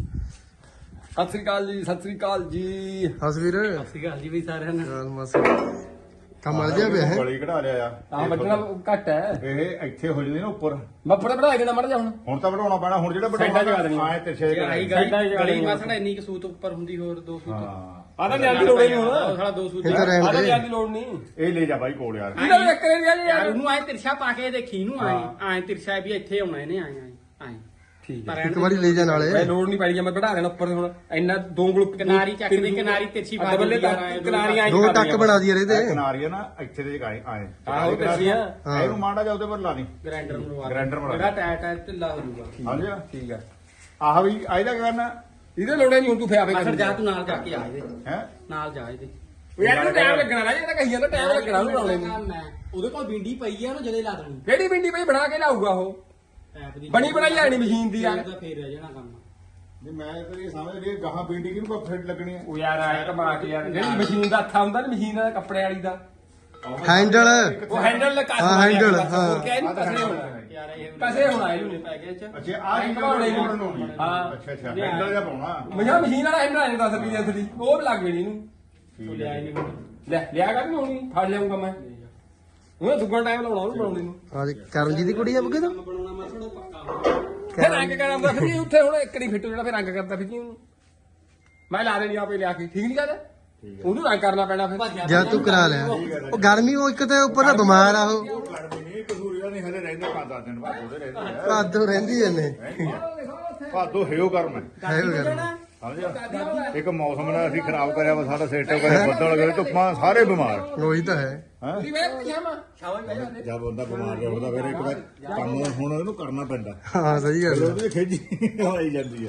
ਸਤਿ ਸ੍ਰੀ ਅਕਾਲ ਜੀ, ਸਤਿ ਸ੍ਰੀ ਅਕਾਲ ਜੀ।
ਹਸਵੀਰ
ਸ੍ਰੀ ਅਕਾਲ ਜੀ ਵੀ ਸਾਰਿਆਂ ਨੂੰ।
ਚਲ ਮਸ ਕੰਮ ਅਲ ਜਿਹਾ ਪਿਆ ਹੈ।
ਗਲੀ ਕਢਾ ਲਿਆ ਆ
ਆ ਵੱਢਣਾ ਘੱਟ ਹੈ।
ਇਹ ਇੱਥੇ ਹੋ ਜਾਂਦੀ ਨਾ ਉੱਪਰ।
ਮੈਂ ਬੜੇ ਬੜਾ ਦੇਣਾ ਮੜ ਜਾ ਹੁਣ।
ਹੁਣ ਤਾਂ ਵਧਾਉਣਾ ਪੈਣਾ, ਹੁਣ ਜਿਹੜਾ
ਸਾਈਡਾਂ 'ਚ ਕਰ ਦੇਣੀ।
ਆਏ ਤਿਰਛੇ ਜਿਹੇ
ਆਹੀ
ਕਰਾਏ।
ਗਲੀ ਗਲੀ ਮਾਸੜਾ ਇੰਨੀ ਕਿ ਸੂਤ ਉੱਪਰ ਹੁੰਦੀ, ਹੋਰ ਦੋ ਸੂਤ
ਹਾਂ
ਆ ਤਾਂ ਲਿਆਂਦੀ ਲੋੜ ਨਹੀਂ ਹੁਣ।
ਉਹ ਸਾਲਾ ਦੋ ਸੂਤ
ਇਹ ਤਾਂ
ਆ
ਰਹਿਣ
ਤਾਂ
ਦੇ।
ਲਿਆਂਦੀ ਲੋੜ ਨਹੀਂ।
ਇਹ ਲੈ ਜਾ ਬਾਈ ਕੋਲ ਯਾਰ।
ਇਹਦਾ ਵੀ ਇੱਕ ਰਹਿ ਗਿਆ
ਯਾਰ
ਯਾਰ।
ਉਹਨੂੰ ਆਏ ਤਿਰਛਾ ਪਾ ਕੇ ਦੇਖੀ ਇਹਨੂੰ ਆਏ ਆਏ ਤਿਰਛਾ ਵੀ ਇੱਥੇ ਆਉਣਾ ਇਹਨੇ ਆਏ ਆਏ ਆਏ
ਠੀਕ
ਪਰ
ਇੱਕ ਵਾਰੀ ਲੈ ਜਾ ਨਾਲੇ।
ਮੈਂ ਲੋੜ ਨਹੀਂ ਪੈਣੀ, ਮੈਂ ਵਧਾ ਦੇਣਾ ਉੱਪਰ ਹੁਣ। ਇੰਨਾ ਦੋ ਗਲੁੱਪ
ਕਿਨਾਰੀ ਚੱਕ ਦੇ, ਕਿਨਾਰੀ ਤਿਰਛੀ ਪਾ
ਬੱਲੇ
ਦਿੰਦੀ ਆ,
ਕਿਨਾਰੀ ਆਈ
ਦੋ ਟੱਕ ਬਣਾ ਦਈਏ
ਇਹ
ਇਹਦੇ।
ਕਿਨਾਰੀ ਆ ਨਾ ਇੱਥੇ ਦੇ ਆਏ ਆਏ
ਆਹੋ ਤਿਰਛੀਆਂ।
ਇਹਨੂੰ ਮਾੜਾ ਜਾ ਉਹਦੇ ਪਰ ਲਾ ਦੀ।
ਗ੍ਰਾਈਂਡਰ ਨੂੰ ਲਵਾ
ਗ੍ਰਾਈਂਡਰ ਬਣਾ
ਜਿਹੜਾ ਟਾਇਰ ਟਾਇਰ ਢਿੱਲਾ ਹੋ ਜਾਊਗਾ।
ਹਾਂਜੀ
ਠੀਕ ਆ।
ਆਹ ਵੀ ਇਹਦਾ ਕੀ ਕਰਨਾ
ਇਹਦੇ ਲੋੜੇ ਨਹੀਂ ਹੁਣ ਤੂੰ ਫਿਆਵੇ
ਮਾਸੜ ਜਾ ਤੂੰ ਨਾਲ ਜਾ ਕੇ ਆ ਇਹਦੇ
ਹੈ।
ਨਾਲ ਜਾ ਇਹਦੇ
ਯਾਰ ਇਹਨੂੰ ਟਾਈਮ ਲੱਗਣਾ ਨਾ, ਇਹ ਤਾਂ ਕਹੀ ਜਾਂਦਾ ਟਾਈਮ ਲੱਗਣਾ ਉਹਨੂੰ ਬਣਾਉਣੇ ਨੂੰ।
ਕੰਮ ਹੈ ਉਹਦੇ ਕੋਲ ਬਿੰਡੀ ਪਈ ਆ, ਉਹਨੂੰ ਜਦੇ ਲਾ ਦੇਣੀ
ਕਿਹੜੀ ਬਿੰਡੀ ਪਈ ਬਣਾ ਕੇ ਲਾਊਗਾ ਉਹ?
ਐਪ ਦੀ
ਬਣੀ ਬਣਾਈ ਆਣੀ ਮਸ਼ੀਨ ਦੀ ਯਾਰ।
ਉਹਦਾ ਫੇਰ ਰਹਿ ਜਾਣਾ ਕੰਮ।
ਨਹੀਂ ਮੈਂ ਤਾਂ ਇਹ ਸਮਝ ਲਈ ਗਾਹਾਂ ਬੀਂਡੀ ਕਿਹਨੂੰ ਕੋ ਫਿੱਟ ਲੱਗਣੀ ਹੈ।
ਉਹ ਯਾਰ ਆਇਆ ਕਮਾ ਕੇ ਯਾਰ, ਜਿਹੜੀ ਮਸ਼ੀਨ ਦਾ ਹੱਥਾ ਹੁੰਦਾ ਨਾ, ਮਸ਼ੀਨ ਦਾ ਕੱਪੜੇ ਵਾਲੀ ਦਾ
ਹੈਂਡਲ
ਉਹ ਹੈਂਡਲ ਲਗਾ
ਹਾਂ, ਹੈਂਡਲ, ਹਾਂ।
ਹੋਰ ਕਿਆ ਇਹਨੂੰ ਕਸੇ ਹੋਣਾ।
ਯਾਰ ਇਹ
ਕਸੇ ਹੋਣਾ ਇਹਨੂੰ।
ਪੈ ਗਿਆ ਚ
ਅੱਛਾ ਆਹ ਹੀ
ਘਮਾਉਣੇ ਨੂੰ।
ਬਣਾਉਣੀ ਹੈ।
ਹਾਂ।
ਅੱਛਾ ਅੱਛਾ ਹੈਂਡਲ ਜਿਹਾ ਪਾਉਣਾ।
ਮਜਾ ਮਸ਼ੀਨ ਵਾਲਾ ਹੈਂਡਲ ਆ ਜਾਂਦਾ ਦਸ ਰੁਪਏ ਅਸਲੀ, ਉਹ ਵੀ ਲੱਗ ਗਈ ਇਹਨੂੰ।
ਤੂੰ ਲਿਆ ਨਹੀਂ ਹੁਣ
ਲੈ ਲਿਆ ਕਰ ਨਹੀਂ ਹੋਣੀ, ਫੜ ਲਿਆਉਂਗਾ ਮੈਂ। ਉਹ ਦੁੱਗਣਾ ਟਾਈਮ ਲਾਉਣਾ ਉਹਨੂੰ ਬਣਾਉਣੇ ਨੂੰ।
ਅੱਜ ਕਰਮਜੀਤ ਦੀ ਕੁੜੀ ਆ ਬੁੱਗੇ ਤੋਂ।
ਕੰਮ ਬਣਾਉਣਾ ਮਾਸੜਾ ਪੱਕਾ।
ਫਿਰ ਰੰਗ ਕਰਾਂਦਾ ਫਿਰ ਉੱਥੇ ਹੁਣ ਇੱਕ ਨਹੀਂ ਫਿੱਟੂ ਜਿਹੜਾ ਫਿਰ ਰੰਗ ਕਰਦਾ ਫਿਰ ਉਹਨੂੰ ਮੈਂ ਲਾ ਦੇਣੀ ਆਪੇ ਲਿਆ ਕੇ। ਠੀਕ ਨਹੀਂ ਗੱਲ? ਉਹਨੂੰ ਰੰਗ ਕਰਨਾ ਪੈਣਾ ਫਿਰ।
ਜਾਂ ਤੂੰ ਕਰਾ ਲਿਆ। ਉਹ ਗਰਮੀ ਉਹ ਇੱਕ ਤਾਂ ਉੱਪਰ ਦਾ ਬਿਮਾਰ ਆ ਉਹ।
ਗਰਮੀ ਨਹੀਂ ਕਸੂਰੀ ਦਾ ਨਹੀਂ ਹਲੇ ਰਹਿੰਦੇ ਪੰਜ ਦਸ ਦਿਨ ਬਾਅਦ ਉਹਦੇ ਰਹਿੰਦੇ ਆ।
ਭਾਦੋ ਰਹਿੰਦੀ ਐਨੇ
ਭਾਦੋ ਹੈਓ ਕਰਮ ਹੈ
ਹੈ ਉਹ ਗਰਮੀ।
ਸਮਝਿਆ। ਇੱਕ ਮੌਸਮ ਨੇ ਅਸੀਂ ਖਰਾਬ ਕਰਿਆ ਵਾ, ਸਾਡਾ ਸਿਸਟਮ ਕਰੇ ਬੱਦਲ ਗਏ ਧੁੱਪਾਂ ਸਾਰੇ ਬਿਮਾਰ
ਉਹੀ ਤਾਂ ਹੈ।
ਹੈ।
ਤੇਰੀ ਵੇਖ ਪਜਾਮਾ ਸ਼ਾਬਾਸ਼ ਬਹਿ ਜਾ।
ਜਦ ਬੰਦਾ ਬਿਮਾਰ ਰਹਿੰਦਾ ਫਿਰ ਇੱਕ ਵਾਰ ਕੰਮ ਹੁਣ ਇਹਨੂੰ ਕਰਨਾ ਪੈਂਦਾ।
ਹਾਂ ਸਹੀ ਗੱਲ
ਉਹਦੀ ਖੇਜੀ ਹੋਈ ਜਾਂਦੀ ਹੈ।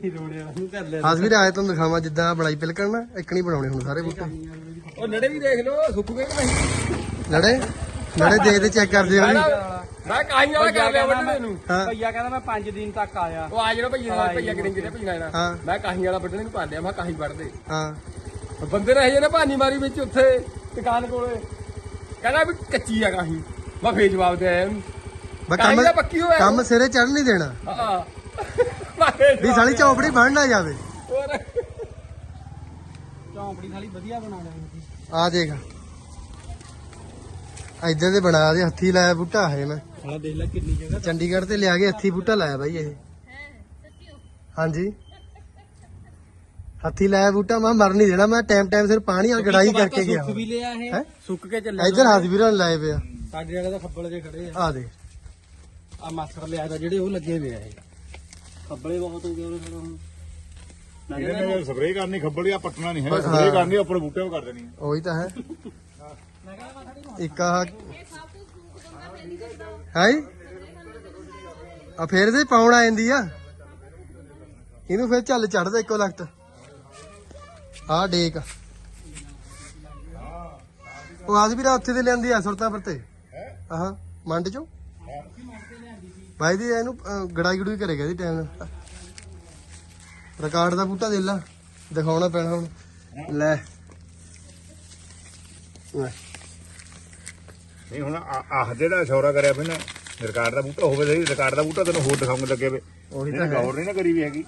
ਹਸਵੀਰ ਆਏ ਤੁਹਾਨੂੰ ਦਿਖਾਵਾਂ ਜਿੱਦਾਂ ਬੜਾਈ ਪਿਲ ਕਰਨਾ ਇੱਕ ਨਹੀਂ ਬਣਾਉਣੇ ਹੁਣ ਸਾਰੇ ਬੂਟੇ।
ਉਹ ਨੜੇ ਵੀ ਦੇਖ ਲਓ ਸੁੱਕ ਗਏ ਕਿ ਨਹੀਂ।
ਲੜੇ ਲੜੇ ਦੇਖਦੇ ਚੈੱਕ ਕਰਦੇ ਹੋ ਜੀ।
ਮੈਂ ਕਾਹੀ ਵਾਲਾ ਕਰ ਲਿਆ ਵੱਢਣੇ ਨੂੰ।
ਹਾਂ
ਭਈਆ ਕਹਿੰਦਾ ਮੈਂ ਪੰਜ ਦਿਨ ਤੱਕ ਆਇਆ।
ਉਹ ਆ ਜਿਹੜਾ ਭਈਆ ਨਾਲ ਭਈਆ ਕਿੰਨੇ ਕਿਹੜੇ ਭਈਆ ਨਾਲ
ਹਾਂ
ਮੈਂ ਕਾਹੀ ਵਾਲਾ ਵੱਢਣੇ ਨੂੰ ਪਾ ਲਿਆ। ਮੈਂ ਕਾਹੀ ਵੱਢਦੇ
ਹਾਂ
ਬੰਦੇ ਨੇ ਇਹ ਨੇ ਭਾਨੀ ਮਾਰੀ ਵਿੱਚ ਉੱਥੇ ਦੁਕਾਨ ਕੋਲੇ ਕਹਿੰਦਾ ਵੀ ਕੱਚੀ ਆ ਕਾਹੀ ਮੈਂ ਫੇਰ ਜਵਾਬ ਦੇ ਆਇਆ ਉਹਨੂੰ
ਬਸ
ਕਾਹੀ
ਕੰਮ
ਦਾ ਪੱਕੀ ਹੋਇਆ
ਕੰਮ ਸਿਰੇ ਚੜ ਨਹੀਂ ਦੇਣਾ
ਹਾਂ ਮੈਂ ਫੇਰ
ਵੀ ਸਾਲੀ ਚੌਪੜੀ ਬਣ ਨਾ ਜਾਵੇ
ਹੋਰ
ਚੌਂਪੜੀ ਸਾਲੀ ਵਧੀਆ ਬਣਾ ਲੈਣੀ
ਆ ਦੇਖ ਇੱਧਰ ਦੇ ਬਣਾ ਦੇ ਹੱਥੀ ਲਾਇਆ ਬੂਟਾ ਹੈ ਮੈਂ
ਸਾਲਾ ਦੇਖ ਲੈ ਕਿੰਨੀ ਜਗ੍ਹਾ
ਚੰਡੀਗੜ੍ਹ ਤੇ ਲਿਆ ਕੇ ਹੱਥੀ ਬੂਟਾ ਲਾਇਆ ਬਾਈ ਇਹ ਹਾਂਜੀ ਹੱਥੀ ਲਾਇਆ ਬੂਟਾ ਮੈਂ ਮਰ ਨਹੀਂ ਦੇਣਾ ਮੈਂ ਟਾਈਮ ਟਾਈਮ ਸਿਰ ਪਾਣੀ ਨਾਲ ਗੜਾਈ ਕਰਕੇ ਗਿਆ
ਸੁੱਕ ਵੀ ਲਿਆ ਇਹ
ਹੈਂ?
ਸੁੱਕ ਕੇ ਚੱਲਿਆ
ਇੱਧਰ ਹੱਥ ਵੀਰਾਂ ਨੇ ਲਾਏ ਪਿਆ
ਸਾਡੇ ਜਗ੍ਹਾ ਤਾਂ ਖੱਬਲ ਜੇ ਖੜੇ ਆ
ਆ ਦੇ
ਆ ਮਾਸਟਰ ਲਿਆ ਤਾਂ ਜਿਹੜੇ ਉਹ ਲੱਗੇ ਹੋਏ ਆ ਇਹ ਖੱਬਲੇ ਬਹੁਤ ਹੋ ਗਏ ਉਹਨੇ ਫਿਰ ਹੁਣ
ਇਹਨੇ ਨੇ ਸਪਰੇਅ ਕਰਨੀ ਖੱਬੜੀ ਆ ਪੱਟਣਾ ਨਹੀਂ ਹੈ ਸਪਰੇਅ ਕਰਨੀ ਉੱਪਰ ਬੂਟੇ ਉਹ ਕਰ ਦੇਣੀ
ਉਹੀ ਤਾਂ ਹੈ ਇੱਕ ਆ ਹੈ ਆ ਫੇਰ ਦੇ ਪਾਉਣ ਆ ਜਾਂਦੀ ਆ ਇਹਨੂੰ ਫੇਰ ਚੱਲ ਚੜਦਾ ਇੱਕੋ ਲਖਤ ਆ ਡੇਕ ਉਹ ਆਜ ਵੀਰਾ ਉੱਥੇ ਤੇ ਲਿਆਂਦੀ ਆ ਸੁਰਤਾ ਪਰ ਤੇ ਆਹ ਮੰਡ ਚੋਂ ਭਾਈ ਦੀ ਇਹਨੂੰ ਅਹ, ਗੜਾਈ ਗੜੂਈ ਕਰੇਗਾ ਦੀ ਟਾਈਮ ਨਾਲ ਰਿਕਾਰਡ ਦਾ ਬੂਟਾ ਦੇ ਲਾ ਦਿਖਾਉਣਾ ਪੈਣਾ ਹੁਣ ਲੈ ਲੈ
ਨਹੀਂ ਹੁਣ ਆਹ ਜਿਹੜਾ ਸ਼ੌਰਾ ਕਰਿਆ ਫਿਰ ਨਾ ਰਿਕਾਰਡ ਦਾ ਬੂਟਾ ਹੋਵੇ ਸਹੀ ਰਿਕਾਰਡ ਦਾ ਬੂਟਾ ਤੈਨੂੰ ਹੋਰ ਦਿਖਾਉਣ ਲੱਗੇ ਵੇ
ਉਹੀ ਤਾਂ
ਇਹਨੇ
ਹੈ
ਗੌਰ ਨਹੀਂ ਨਾ ਕਰੀ ਵੀ ਹੈਗੀ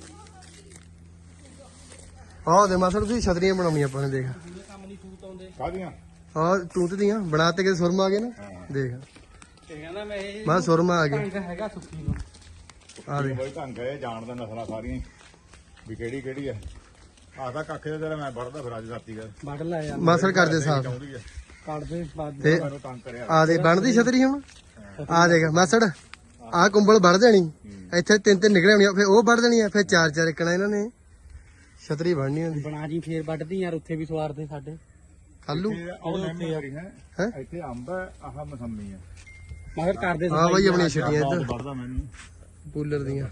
ਆਹ ਦੇ ਮਾਸੜ ਤੁਸੀਂ ਛਤਰੀਆਂ ਬਣਾਉਣੀਆਂ ਆਪਾਂ ਨੇ ਦੇਖ
ਕੰਮ ਨਹੀਂ ਸੂਤ ਆਉਂਦੇ
ਕਾਹਦੀਆਂ
ਹਾਂ ਤੂਤ ਦੀਆਂ ਬਣਾ ਤੇ ਕਿ ਸੁਰਮਾ ਆ ਗਏ ਨਾ ਦੇਖ
ਤੇ ਕਹਿੰਦਾ ਮੈਂ ਇਹ
ਮੈਂ ਸੁਰਮਾ ਆ ਗਏ
ਢੰਗ ਹੈਗਾ ਸੁੱਕੀ ਨੂੰ
ਆ ਦੇ
ਬਈ ਢੰਗ ਹੈ ਜਾਣਦਾ ਨਸਲਾਂ ਸਾਰੀਆਂ ਹੀ, ਵੀ ਕਿਹੜੀ ਕਿਹੜੀ ਹੈ ਆਦਾ ਕੱਖ ਦੇ ਤੇਰਾ ਮੈਂ ਵੜਦਾ ਫਿਰ ਅੱਜ ਰਾਤੀ ਗੱਲ
ਵੱਢ ਲਾਇਆ
ਮਾਸੜ ਕਰਦੇ ਸਾਫ
ਚਾਹੁੰਦੀ ਹੈ
ਕੱਢ ਦੇ ਬਾਅਦ
ਤੇ
ਮੈਨੂੰ ਤੰਗ ਕਰਿਆ
ਆ ਦੇ ਬਣਦੀ ਛਤਰੀ ਹੁਣ ਆ ਦੇਖ ਮਾਸੜ ਆ ਕੁੰਬਲ ਵੜ ਦੇਣੀ ਇੱਥੇ ਤਿੰਨ ਤਿੰਨ ਨਿਕਲੇ ਹੋਣੀਆਂ ਫਿਰ ਉਹ ਵੜ ਦੇਣੀ ਆ ਫਿਰ ਚਾਰ ਚਾਰ ਇੱਕਣਾ ਇਹਨਾਂ ਨੇ ਛਤਰੀ ਬਣਨੀ ਹੁੰਦੀ
ਬਣਾ ਜੀ ਫੇਰ ਵੱਢਦੀ ਯਾਰ ਉੱਥੇ ਵੀ ਸਵਾਰਦੇ ਸਾਡੇ
ਕੱਲੂ
ਉਹ ਨੇਮ ਕਰੀ ਹੈ
ਹੈਂ?
ਇੱਥੇ ਅੰਬ ਹੈ ਆਹ ਮਸੰਮੀ ਹੈ
ਮਗਰ ਕਰਦੇ
ਹਾਂ ਬਾਈ ਆਪਣੀਆਂ ਛਟੀਆਂ ਇੱਧਰ
ਵੜਦਾ ਮੈਨੂੰ
ਪੂਲਰ ਦੀਆਂ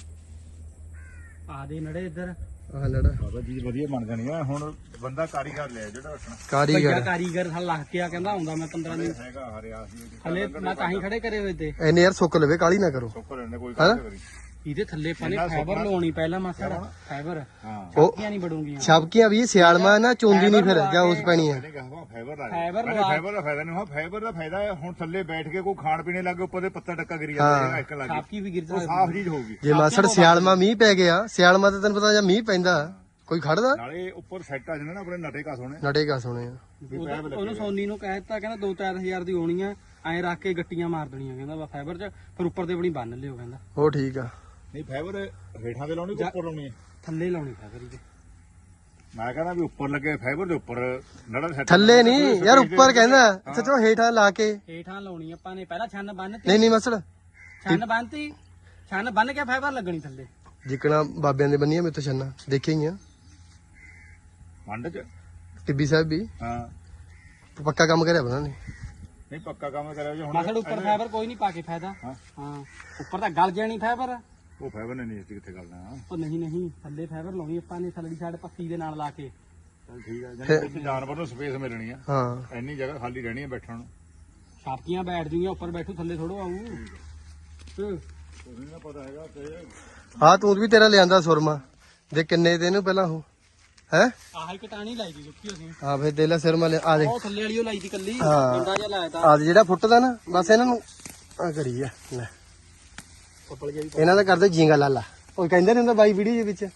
ਆ ਦੇ ਨੜੇ ਇੱਧਰ
ਆ ਲੜਾ
ਬਾਬਾ ਜੀ ਵਧੀਆ ਬਣ ਜਾਣੀ ਆ ਹੁਣ ਬੰਦਾ ਕਾਰੀਗਰ ਲਿਆ ਜਿਹੜਾ ਰੱਖਣਾ
ਭਈਆ
ਕਾਰੀਗਰ
ਕਾਰੀਗਰ ਹਲ ਲੱਗ ਕੇ ਆ ਕਹਿੰਦਾ ਆਉਂਦਾ ਮੈਂ ਪੰਦਰਾਂ ਦਿਨ
ਹੈਗਾ ਹਰਿਆ ਸੀ
ਹਲੇ ਮੈਂ ਤਾਂ ਹੀ ਖੜੇ ਕਰੇ ਹੋਏ ਤੇ
ਐਨੇ ਯਾਰ ਸੁੱਕ ਲਵੇ ਕਾਲੀ ਨਾ ਕਰੋ
ਸੁੱਕ ਰਹਿੰਦੇ ਕੋਈ
ਹੈਂ?
ਕੰਮ ਕਰੀ
ਇਹਦੇ ਥੱਲੇ ਪਾਣੇ
ਇੰਨਾ
ਫਾਈਬਰ
ਸੁੱਕਣਾ।
ਲਾਉਣੀ ਪਹਿਲਾਂ ਮਾਸੜ ਫਾਈਬਰ
ਹਾਂ
ਉਹ
ਕਿਆਂ ਨਹੀਂ ਬੜੂਗੀਆਂ
ਛਾਪਕੀਆਂ ਵੀ ਸਿਆਲਮਾ ਨਾ ਚੋਂਦੀ ਨਹੀਂ ਫਿਰ ਜਾਂ ਉਸ ਪੈਣੀ ਆ
ਇਹਨੇ ਕਹਾ ਫਾਈਬਰ ਲਾ
ਫਾਈਬਰ
ਫਾਈਬਰ
ਲਵਾ-
ਫਾਈਬਰ ਦਾ ਫਾਇਦਾ ਨਹੀਂ ਹਾਂ ਫਾਈਬਰ ਦਾ ਫਾਇਦਾ ਹੈ ਹੁਣ ਥੱਲੇ ਬੈਠ ਕੇ ਕੋਈ ਖਾਣ ਪੀਣੇ ਲੱਗੇ ਉੱਪਰ ਦੇ ਪੱਤਾ ਟੱਕਾ ਕਰੀ ਜਾਂਦਾ ਇੱਕ ਲੱਗ
ਛਾਪਕੀ ਵੀ ਗਿਰ
ਉਹ
ਜਾ
ਸਾਫ਼ ਚੀਜ਼ ਹੋਊਗੀ
ਜੇ ਮਾਸੜ ਸਿਆਲਮਾ ਮੀਂਹ ਪੈ ਗਿਆ ਸਿਆਲਮਾ ਤੇ ਤੈਨੂੰ ਪਤਾ ਜਾਂ ਮੀਂਹ ਪੈਂਦਾ ਕੋਈ ਖੜਦਾ
ਨਾਲੇ ਉੱਪਰ ਸੈੱਟ ਆ ਜਾਣਾ ਨਾ ਆਪਣੇ ਨਟੇ ਕਾ ਸੋਣੇ
ਨਟੇਗਾ ਸੋਹਣੇ ਆ
ਵੀ ਪੈਪ ਲੱਗੇ
ਉਹਨੂੰ ਸੋਨੀ ਨੂੰ ਕਹਿ ਦਿੱਤਾ ਕਹਿੰਦਾ ਦੋ ਚਾਰ ਹਜ਼ਾਰ ਦੀ ਹੋਣੀ ਆ ਐਂ ਰੱਖ ਕੇ ਗੱਟੀਆਂ ਮਾਰ ਦੇਣੀਆਂ ਕਹਿੰਦਾ ਵਾ ਫਾਈਬਰ ਚ ਫਿਰ ਉੱਪਰ ਤੇ ਆਪਣੀ ਬੰਨ ਲਿਓ ਕਹਿੰਦਾ
ਉਹ ਠੀਕ ਆ
ਨਹੀਂ ਫਾਈਬਰ ਹੇਠਾਂ ਤੇ ਲਾਉਣੀ ਕਿ ਉੱਪਰ ਲਾਉਣੀ ਹੈ
ਥੱਲੇ ਲਾਉਣੀ ਫਾਈਬਰ ਇਹਦੇ
ਮੈਂ ਕਹਿੰਦਾ ਵੀ ਉੱਪਰ ਲੱਗੇ ਫਾਈਬਰ ਦੇ ਉੱਪਰ ਨੜਾ ਸੈੱਟ
ਥੱਲੇ ਨਹੀਂ ਯਾਰ ਉੱਪਰ ਕਹਿੰਦਾ ਸੱਚੋ ਹੇਠਾਂ ਲਾ ਕੇ
ਹੇਠਾਂ ਲਾਉਣੀ ਆਪਾਂ ਨੇ ਪਹਿਲਾਂ ਛੰਨ ਬੰਨਤੀ
ਨਹੀਂ ਨਹੀਂ ਮਾਸੜ
ਛੰਨ ਬੰਨਤੀ ਛੰਨ ਬੰਨ ਕੇ ਫਾਈਬਰ ਲੱਗਣੀ ਥੱਲੇ
ਜਿਕਣਾ ਬਾਬਿਆਂ ਦੇ ਬੰਨੀਆਂ ਮੇਰੇ ਤੋਂ ਛੰਨਾ ਦੇਖੇ ਹੀ ਆ
ਮੰਡ ਚ
ਟਿੱਬੀ ਸਾਹਿਬ ਵੀ
ਹਾਂ
ਪੱਕਾ ਕੰਮ ਕਰਿਆ ਬਣਾ ਨੇ
ਨਹੀਂ ਪੱਕਾ ਕੰਮ ਕਰਿਆ ਜੇ ਹੁਣ
ਮਸਲ ਉੱਪਰ ਫਾਈਬਰ ਕੋਈ ਨਹੀਂ ਪਾ ਕੇ ਫਾਇਦਾ
ਹਾਂ।
ਹਾਂ ਉੱਪਰ ਤਾਂ ਗਲ ਜਾਣੀ ਫਾਈਬਰ
ਉਹ ਫਾਈਬਰ ਨੇ ਨਹੀਂ ਕਿੱਥੇ ਕਰਨਾ
ਉਹ ਨਹੀਂ ਨਹੀਂ ਥੱਲੇ ਫਾਈਬਰ ਲਾਉਣੀ ਆਪਾਂ ਨੇ ਥੱਲੜੀ ਸਾਈਡ ਪੱਤੀ ਦੇ ਨਾਲ ਲਾ ਕੇ
ਚਲ ਠੀਕ ਹੈ ਜਾਨੀ ਉੱਥੇ ਜਾਨਵਰ ਨੂੰ ਸਪੇਸ ਮਿਲਣੀ ਆ
ਹਾਂ
ਇੰਨੀ ਜਗ੍ਹਾ ਖਾਲੀ ਰਹਿਣੀ ਹੈ ਬੈਠਣ ਨੂੰ
ਛਾਪਕੀਆਂ ਬੈਠ ਜੂਗੀਆਂ ਉੱਪਰ ਬੈਠੂ ਥੱਲੇ ਥੋੜੋ ਆਊ
ਤੁਸੀਂ ਨਾ ਪਤਾ ਹੈਗਾ ਤੇ
ਹਾਂ ਤੂੰ ਵੀ ਤੇਰਾ ਲਿਆਂਦਾ ਸੁਰਮਾ ਦੇ ਕਿੰਨੇ ਦੇ ਇਹਨੂੰ ਪਹਿਲਾਂ ਉਹ ਹੈ
ਆਹ ਇੱਕ ਟਾਣੀ ਲਾਈ ਦੀ ਸੁੱਕੀ ਅਸੀਂ
ਹਾਂ ਫਿਰ ਦੇ ਲੈ ਸੁਰਮਾ ਲਿਆ ਆ ਦੇ
ਉਹ ਥੱਲੇ ਵਾਲੀ ਉਹ ਲਾਈ ਦੀ ਕੱਲੀ
ਹਾਂ।
ਡੰਡਾ ਜਿਹਾ ਲਾਇਆ ਤਾਂ
ਆ ਦੇ ਜਿਹੜਾ ਫੁੱਟਦਾ ਨਾ ਬਸ ਇਹਨਾਂ ਨੂੰ ਆ ਕਰੀ ਆ ਲੈ
ਉੱਪਰ ਗਿਆ ਵੀ
ਇਹਨਾਂ ਦਾ ਕਰਦੇ ਜੀਂਗਾ ਲਾਲਾ ਉਹ ਕਹਿੰਦੇ ਨੇ ਹੁੰਦਾ ਬਾਈ ਵੀਡੀਓ ਦੇ ਵਿੱਚ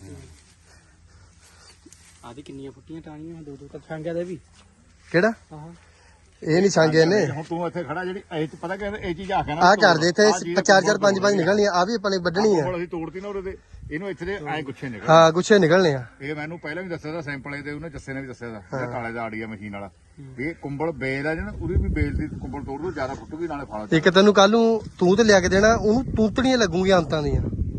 ਆਦੀ ਕਿੰਨੀਆਂ ਫੁੱਟੀਆਂ ਟਾਣੀਆਂ ਦੋ ਦੋ ਤਾਂ ਛਾਂਗਿਆ ਦੇ ਵੀ
ਕਿਹੜਾ
ਆਹ
ਇਹ ਨਹੀਂ ਸੰਗੇ ਨੇ
ਹੁਣ ਤੂੰ ਇੱਥੇ ਖੜਾ ਜਿਹੜੀ ਇਹ ਚ ਪਤਾ ਕਹਿੰਦੇ ਇਹ ਚੀਜ਼ ਆ ਕੇ ਨਾ
ਆ ਕਰਦੇ ਇੱਥੇ ਚਾਰ ਚਾਰ ਪੰਜ ਪੰਜ ਨਿਕਲਣੀਆਂ ਆ ਵੀ ਆਪਾਂ ਨੇ ਵੱਢਣੀ ਆ
ਕੋਲ ਅਸੀਂ ਤੋੜਤੀ ਨਾ ਉਹਦੇ ਤੇ ਇਹਨੂੰ ਇੱਥੇ ਦੇ ਐ ਗੁੱਛੇ ਨਿਕਲ
ਹਾਂ ਗੁੱਛੇ ਨਿਕਲਣੇ ਆ
ਇਹ ਮੈਨੂੰ ਪਹਿਲਾਂ ਵੀ ਦੱਸਿਆ ਦਾ ਸੈਂਪਲ ਇਹਦੇ ਉਹਨੇ ਜੱਸੇ ਨੇ ਵੀ ਦੱਸਿਆ ਦਾ ਜਿਹੜਾ ਕਾਲੇ ਦਾ ਆੜੀਆ ਮਸ਼ੀਨ ਵਾਲਾ ਵੀ ਇਹ ਕੁੰਬਲ ਬੇਲ ਆ ਜਿਹੜਾ ਉਹਦੀ ਵੀ ਬੇਲ ਦੀ ਕੁੰਬਲ ਤੋੜ ਦੋ ਜ਼ਿਆਦਾ ਫੁੱਟੂਗੀ ਨਾਲੇ ਫਲ
ਇੱਕ ਤੈਨੂੰ ਕੱਲ ਨੂੰ ਤੂੰ ਤੇ ਲਿਆ ਕੇ ਦੇਣਾ ਉਹਨੂੰ ਤੂਤੜੀਆਂ ਲੱਗੂਗੀਆਂ ਅੰਤਾਂ ਦੀਆਂ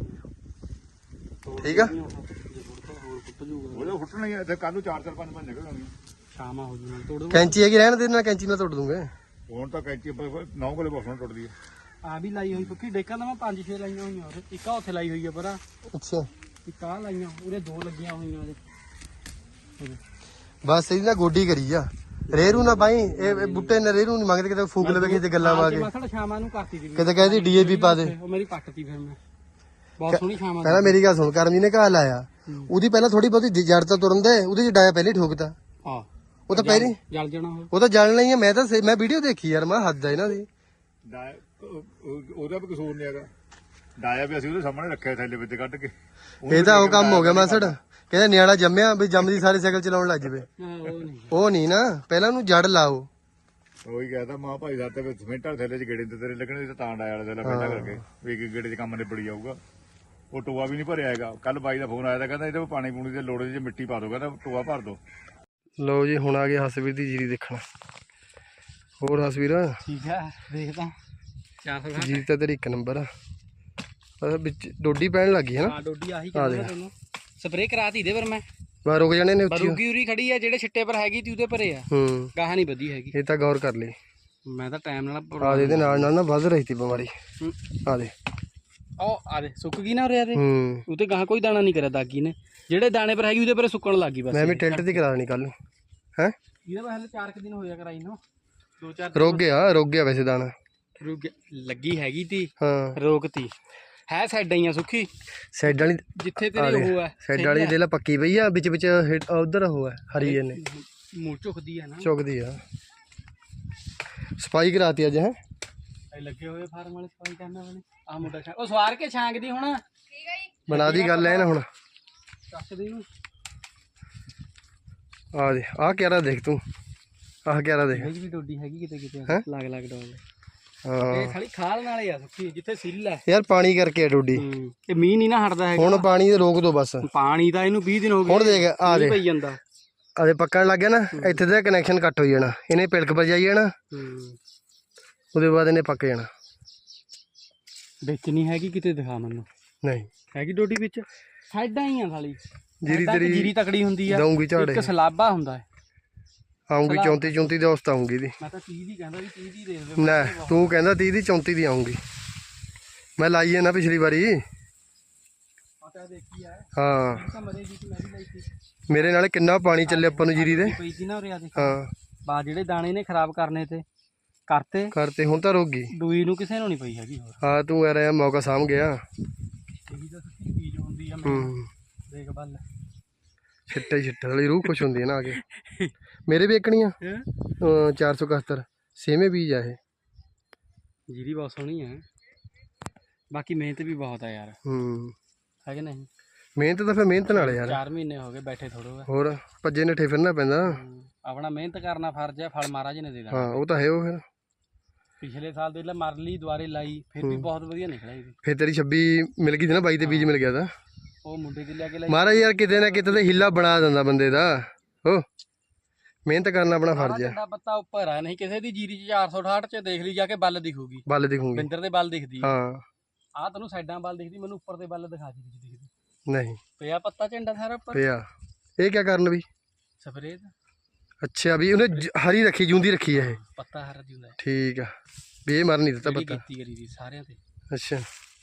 ਠੀਕ ਆ
ਹੋਰ ਫੁੱਟ ਜੂਗਾ
ਉਹਦੇ ਫੁੱਟਣਾ ਹੀ ਆ, ਇੱਥੇ ਕੱਲ ਨੂੰ ਚਾਰ ਚਾਰ ਪੰਜ ਪੰਜ ਨਿਕਲ ਆਉਣੀ
ਸ਼ਾਮਾ ਹੋ ਜੂ ਨਾਲ ਤੋੜੋ
ਕੈਂਚੀ ਹੈਗੀ ਰਹਿਣ ਦੇ ਨਾਲ ਕੈਂਚੀ ਨਾਲ ਤੋੜ ਦੂੰਗੇ
ਹੁਣ ਤਾਂ ਕੈਂਚੀ ਨੌ ਕੋਲੇ ਬਸਣ ਟੁੱਟਦੀ ਹੈ
ਆ ਵੀ ਲਾਈ ਹੋਈ ਸੁੱਕੀ ਡੇਕਾਂ ਤਾਂ ਮੈਂ ਪੰਜ ਛੇ ਲਾਈਆਂ ਹੋਈਆਂ ਉਹਦੇ ਇੱਕ ਆ ਉੱਥੇ ਲਾਈ ਹੋਈ ਆ ਪਰਾ
ਅੱਛਾ
ਇੱਕ ਆ ਲਾਈਆਂ ਉਹਦੇ ਦੋ ਲੱਗੀਆਂ ਹੋਈਆਂ ਉਹਦੇ
ਬਸ ਇਹਦੀ ਨਾ ਗੋਡੀ ਕਰੀ ਆ ਰੇਰੂ ਨਾ ਬਾਈ ਇਹ ਇਹ ਬੁੱਟੇ ਨੇ ਰੇਰੂ ਨਹੀਂ ਮੰਗਦੇ ਕਿਤੇ ਫੂਕ ਲਵੇ ਕਿਸੇ ਗੱਲਾਂ ਵਾ ਕੇ
ਮਸਲ ਸ਼ਾਮਾਂ ਨੂੰ ਕਰਤੀ ਦੀ
ਕਿਤੇ ਕਹਿੰਦੀ ਡੀਏਪੀ ਪਾ ਦੇ
ਉਹ ਮੇਰੀ ਪੱਟਤੀ ਫਿਰ ਮੈਂ ਬਹੁਤ ਸੋਹਣੀ ਸ਼ਾਮਾਂ
ਕਹਿੰਦਾ ਮੇਰੀ ਗੱਲ ਸੁਣ ਕਰਮੀ ਨੇ ਘਾ ਲਾਇਆ ਉਹਦੀ ਪਹਿਲਾਂ ਥੋੜੀ ਬਹੁਤੀ ਜੜ ਤਾਂ ਤੁਰਨ ਦੇ, ਉਹਦੇ ਚ ਡਾਇਆ ਪਹਿਲੇ ਠੋਕਦਾ।
ਹਾਂ
ਉਹ ਤਾਂ ਪਹਿਲੇ
ਜਲ ਜਾਣਾ ਉਹ।
ਉਹ ਤਾਂ ਜਲਣਾ ਹੀ ਆ। ਮੈਂ ਤਾਂ ਸੇ- ਮੈਂ ਵੀਡੀਓ ਦੇਖੀ ਯਾਰ, ਮੈਂ ਹੱਦ ਆ ਇਹਨਾਂ ਦੀ।
ਡਾਇਆ ਉਹ- ਉਹਦਾ ਵੀ ਕਸੂਰ ਨਹੀਂ ਹੈਗਾ। ਡਾਇਆ ਵੀ ਅਸੀਂ ਉਹਦੇ ਸਾਹਮਣੇ ਰੱਖਿਆ ਥੈਲੇ ਵਿੱਚ ਕੱਢ ਕੇ।
ਇਹ ਤਾਂ ਉਹ ਕੰਮ ਹੋ ਗਿਆ ਮਾਸੜ, ਕਹਿੰਦਾ ਨਿਆਣਾ ਜੰਮਿਆ ਵੀ ਜੰਮਦੀ ਸਾਰੇ ਸਾਈਕਲ ਚਲਾਉਣ ਲੱਗ ਜਵੇ।
ਹਾਂ ਉਹ ਨਹੀਂ
ਉਹ ਨਹੀਂ ਨਾ, ਪਹਿਲਾਂ ਉਹਨੂੰ ਜੜ ਲਾਓ।
ਉਹੀ ਕਹਿੰਦਾ ਮਾਂ ਭਾਈ ਦਾ ਤੇ ਸਿਮੈਂਟ ਵਾਲੇ ਥੈਲੇ ਚ ਗੇੜੇ ਤੇ ਤੇਰੇ ਲੱਗਣੇ ਸੀ ਤਾਂ ਡਾਇਆ ਵਾਲੇ ਥੈਲੇ ਪਹਿਲਾਂ ਕਰਕੇ ਵੀ ਇੱਕ ਗੇੜੇ ਚ ਕੰਮ ਨਿਬੜੀ ਜਾਊਗਾ। ਉਹ ਟੋਆ ਵੀ ਨਹੀਂ ਭਰਿਆ ਹੈਗਾ। ਕੱਲ ਬਾਈ ਦਾ ਫੋਨ ਆਇਆ ਤਾਂ ਕਹਿੰਦਾ ਇਹਦੇ ਵਿੱਚ ਪਾਣੀ ਪੂਣੀ ਦੀ ਲੋੜ ਜੇ ਮਿੱਟੀ ਪਾ ਦੋ, ਕਹਿੰਦਾ ਟੋਆ ਭਰ ਦੋ।
ਲਓ ਜੀ ਹੁਣ ਆ ਗਏ ਹਸਵੀਰ ਦੀ ਜੀਰੀ ਦੇਖਣ। ਹੋਰ ਹਸਵੀਰ
ਠੀਕ ਹੈ ਦੇਖਦਾ ਚਾਰ ਸੌ
ਜੀਰੀ ਤਾਂ ਤੇਰੀ ਇੱਕ ਨੰਬਰ ਆ। ਅਹ ਵਿੱਚ ਡੋਡੀ ਪੈਣ ਲੱਗੀ ਹੈ ਨਾ।
ਹਾਂ ਡੋਡੀ ਆਹੀ ਕਹਿੰਦਾ ਮੈਂ ਤੈਨੂੰ ਸਪਰੇਅ ਕਰਾਤੀ ਦੇ ਪਰ ਮੈਂ
ਬਾ ਰੁਕ ਜਾਣੇ ਨੇ ਉੱਚੀ।
ਬਰੂਗੀ ਉਰੀ ਖੜੀ ਆ, ਜਿਹੜੇ ਛਿੱਟੇ ਪਰ ਹੈਗੀ ਤੀ ਉਹਦੇ ਪਰੇ ਆ,
ਹੂੰ
ਗਾਹਾਂ ਨਹੀਂ ਵਧੀ ਹੈਗੀ।
ਇਹ ਤਾਂ ਗੌਰ ਕਰ ਲਈ।
ਮੈਂ ਤਾਂ ਟਾਈਮ ਨਾਲ
ਆ ਦੇ ਇਹਦੇ ਨਾਲ ਨਾਲ ਨਾ ਵੱਧ ਰਹੀ ਤੀ ਬਿਮਾਰੀ।
ਹੂੰ।
ਆ ਦੇ
ਉਹ ਆ ਦੇ ਸੁੱਕ ਗਈ ਨਾ ਉਰੇ ਆ ਦੇ,
ਹੂੰ
ਉਤੇ ਗਾਹਾਂ ਕੋਈ ਦਾਣਾ ਨਹੀਂ ਕਰਿਆ ਦਾਗੀ ਨੇ, ਜਿਹੜੇ ਦਾਣੇ ਪਰ ਹੈਗੀ ਉਹਦੇ ਪਰੇ ਸੁੱਕਣ ਲੱਗੀ ਬਸ।
ਮੈਂ ਵੀ ਟੈਂਟ ਦੀ ਕਰਾ ਦੇਣੀ ਕੱਲ ਨੂੰ ਹੈ।
ਇਹਦਾ ਮੈਂ ਹਲੇ ਚਾਰ ਕੁ ਦਿਨ ਹੋਇਆ ਕਰਾਈ ਨੂੰ, ਦੋ ਚਾਰ
ਰੁਕ ਗਿਆ ਰੁਕ ਗਿਆ ਵੈਸੇ ਦਾਣਾ।
ਰੁਕ ਗਿਆ। ਲੱਗੀ ਹੈਗੀ ਤੀ
ਹਾਂ
ਰੋਕਤੀ ਹੈ ਸਾਈਡਾਂ ਹੀ ਆ ਸੁੱਕੀ,
ਸਾਈਡ ਵਾਲੀ
ਜਿੱਥੇ ਤੇਰੀ ਉਹ ਆ
ਸਾਈਡ ਵਾਲੀ ਦੇ ਲਾ ਪੱਕੀ ਪਈ ਆ, ਵਿੱਚ ਵਿੱਚ ਉਧਰ ਉਹ ਹੈ ਹਰੀ ਇਹਨੇ
ਮੂੰਹ ਝੁਕਦੀ ਆ ਨਾ,
ਚੁੱਕਦੀ ਆ। ਸਫਾਈ ਕਰਾਤੀ ਅੱਜ ਹੈ।
ਇਹ ਲੱਗੇ ਹੋਏ ਫਾਰਮ ਵਾਲੇ ਸਫਾਈ ਕਰਨ ਵਾਲੇ। ਆ ਮੁੰਡਾ ਛਾਂ ਉਹ ਸਵਾਰ ਕੇ ਛਾਂਗਦੀ ਹੁਣ
ਬਣਾ ਦੀ ਗੱਲ ਐ ਨਾ ਹੁਣ।
ਚੱਕਦੀ ਨੂੰ
ਆ ਦੇ ਆਹ ਕਿਹੜਾ ਦੇਖ ਤੂੰ, ਆਹ ਕਿਹੜਾ ਦੇਖ।
ਇਹ ਵੀ ਡੋਡੀ ਹੈਗੀ ਕਿਤੇ ਕਿਤੇ
ਹੈਂ?
ਲੱਗ ਲੱਗ ਡੋਲ।
ਹਾਂ
ਇਹ ਸਾਲੀ ਖਾਲ ਨਾਲੇ ਆ ਸੁੱਕੀ, ਜਿੱਥੇ ਸਿੱਲ ਹੈ।
ਯਾਰ ਪਾਣੀ ਕਰਕੇ ਆ ਡੋਡੀ।
ਹੂੰ ਇਹ ਮੀਂਹ ਨਹੀਂ ਨਾ ਹਟਦਾ ਹੈਗਾ।
ਹੁਣ ਪਾਣੀ ਰੋਕ ਦੋ ਬਸ।
ਪਾਣੀ ਤਾਂ ਇਹਨੂੰ ਵੀਹ ਦਿਨ ਹੋ ਗਏ।
ਹੁਣ ਦੇਖ ਆ ਦੇ
ਪਈ ਜਾਂਦਾ।
ਆਦੇ ਪੱਕਣ ਲੱਗ ਗਿਆ ਨਾ, ਇੱਥੇ ਦਾ ਕਨੈਕਸ਼ਨ ਕੱਟ ਹੋ ਜਾਣਾ, ਇਹਨੇ ਪਿਲਕ ਪਰ ਜਾਈ ਜਾਣਾ,
ਹੂੰ
ਉਹਦੇ ਬਾਅਦ ਇਹਨੇ ਪੱਕ ਜਾਣਾ।
ਵਿੱਚ ਨਹੀਂ ਹੈਗੀ ਕਿਤੇ ਦਿਖਾ ਮੈਨੂੰ।
ਨਹੀਂ
ਹੈਗੀ ਡੋਡੀ ਵਿੱਚ, ਸਾਈਡਾਂ ਹੀ ਆ ਸਾਲੀ।
ਜੀਰੀ
ਸਾਈਡਾਂ ਤੇ
ਤੇਰੀ
ਜੀਰੀ ਤਕੜੀ ਹੁੰਦੀ ਆ,
ਦਊਂਗੀ ਝਾੜੇ
ਇੱਕ ਸਲਾਬਾ ਹੁੰਦਾ ਹੈ।
ਆਉਂਗੀ ਚੌਂਤੀ ਚੌਂਤੀ ਦੇ ਉਸਤ ਆਉਂਗੀ ਦੀ।
ਮੈਂ ਤਾਂ ਤੀਹ ਦੀ ਕਹਿੰਦਾ ਵੀ ਤੀਹ ਦੀ ਦੇਖ ਲਓ।
ਲੈ ਤੂੰ ਕਹਿੰਦਾ ਤੀਹ ਦੀ ਚੌਂਤੀ ਦੀ ਆਉਂਗੀ। ਮੈਂ ਲਾਈ ਹੈ ਨਾ ਪਿਛਲੀ ਵਾਰੀ।
ਪਤਾ ਦੇਖੀ ਆ
ਹਾਂ
ਤਾਂ ਮਰੇ ਜੀ ਮੈਂ ਵੀ ਲਈ ਸੀ
ਮੇਰੇ ਨਾਲ ਕਿੰਨਾ ਪਾਣੀ ਚੱਲੇ ਆਪਾਂ ਨੂੰ ਜੀਰੀ ਦੇ।
ਪਈ ਸੀ ਨਾ ਉਰੇ ਆ ਦੇਖ।
ਹਾਂ
ਬਾ ਜਿਹੜੇ ਦਾਣੇ ਨੇ ਖਰਾਬ ਕਰਨੇ ਤੇ ਕਰਤੇ,
ਕਰਤੇ ਹੁਣ ਤਾਂ ਰੁਕ ਗਈ।
ਦੂਈ ਨੂੰ ਕਿਸੇ ਨੂੰ ਨਹੀਂ ਪਈ ਹੈਗੀ ਹੋਰ।
ਹਾਂ ਤੂੰ ਯਾਰ ਇਹ ਮੌਕਾ ਸਾਂਭ ਗਿਆ।
ਇਹਦੀ ਤਾਂ ਸੱਚੀ ਚੀਜ਼ ਹੁੰਦੀ ਆ। ਮੈਂ
ਹੂੰ
ਦੇਖ ਬੱਲ
ਛਿੱਟੇ ਛਿੱਟੇ ਵਾਲੀ ਰੂਹ ਖੁਸ਼ ਹੁੰਦੀ ਹੈ ਨਾ ਆ ਕੇ। ਮੇਰੇ ਵੀ ਇੱਕਣੀਆਂ ਚਾਰ ਸੌ ਇਕਹੱਤਰ ਸੇਮੇ ਬੀਜ ਆ ਇਹ।
ਜੀਰੀ ਬਹੁਤ ਸੋਹਣੀ ਹੈ, ਬਾਕੀ ਮਿਹਨਤ ਵੀ ਬਹੁਤ ਆ ਯਾਰ,
ਹੂੰ
ਹੈ ਕਿ ਨਹੀਂ।
ਮਿਹਨਤ ਤਾਂ ਫਿਰ ਮਿਹਨਤ ਨਾਲ ਯਾਰ।
ਚਾਰ ਮਹੀਨੇ ਹੋ ਗਏ ਬੈਠੇ ਥੋੜੋ।
ਹੋਰ ਭੱਜੇ ਨੱਠੇ ਫਿਰਨਾ ਪੈਂਦਾ।
ਆਪਣਾ ਮਿਹਨਤ ਕਰਨਾ ਫਰਜ਼ ਹੈ, ਫਲ ਮਹਾਰਾਜ ਨੇ ਦੇ ਦੇਣਾ।
ਹਾਂ ਉਹ ਤਾਂ ਹੈ ਉਹ ਫਿਰ।
ਪਿਛਲੇ ਸਾਲ ਦੇ ਲੈ ਮਰ ਲਈ, ਦੁਆਰੇ ਲਾਈ, ਫਿਰ ਵੀ ਬਹੁਤ ਵਧੀਆ ਨਿਕਲਿਆ ਇਹ ਵੀ।
ਫਿਰ ਤੇਰੀ ਛੱਬੀ ਮਿਲ ਗਈ ਸੀ ਨਾ, ਬਾਈ ਤੇ ਬੀਜ ਮਿਲ ਗਿਆ ਤਾਂ।
ਉਹ ਮੁੰਡੇ ਦੀ ਲੈ ਕੇ ਲਾਈ।
ਮਹਾਰਾਜ ਯਾਰ ਕਿਤੇ ਨਾ ਕਿਤੇ ਤੇ ਹਿੱਲਾ ਬਣਾ ਦਿੰਦਾ ਬੰਦੇ ਦਾ। ਹੋ ਮਿਹਨਤ ਕਰਨਾ ਆਪਣਾ ਫਰਜ਼ ਹੈ।
ਸਾਡਾ ਪੱਤਾ ਉੱਪਰ ਆ, ਨਹੀਂ ਕਿਸੇ ਦੀ ਜੀਰੀ ਚ ਚਾਰ ਸੌ ਅਠਾਹਠ ਚ ਦੇਖ ਲਈ ਜਾ ਕੇ ਬੱਲ ਦਿਖੂਗੀ।
ਬੱਲ ਦਿਖੂਗੀ।
ਬਿੰਦਰ ਦੇ ਬੱਲ ਦਿਖਦੀ ਆ।
ਹਾਂ
ਆਹ ਤੈਨੂੰ ਸਾਈਡਾਂ ਬੱਲ ਦਿਖਦੀ, ਮੈਨੂੰ ਉੱਪਰ ਦੇ ਬੱਲ ਦਿਖਾ ਦੇ ਵਿੱਚ ਦਿਖਦੀ।
ਨਹੀਂ
ਪਿਆ ਪੱਤਾ ਝੰਡਾ ਸਾਰਾ ਉੱਪਰ।
ਪਿਆ ਇਹ ਕਿਆ ਕਰਨ ਵੀ।
ਸਪਰੇਅ
ਅੱਛਾ ਵੀ ਉਹਨੇ ਜ- ਹਰੀ ਰੱਖੀ ਜੂੰਦੀ ਰੱਖੀ ਹੈ ਇਹ।
ਪੱਤਾ ਹਰਾ ਜਿਉਂਦਾ
ਠੀਕ ਆ ਵੀ ਇਹ ਮਰ ਨਹੀਂ ਦਿੱਤਾ
ਜਿਹੜੀ
ਪੱਤਾ।
ਕੀਤੀ ਕਰੀ ਦੀ ਸਾਰਿਆਂ ਤੇ।
ਅੱਛਾ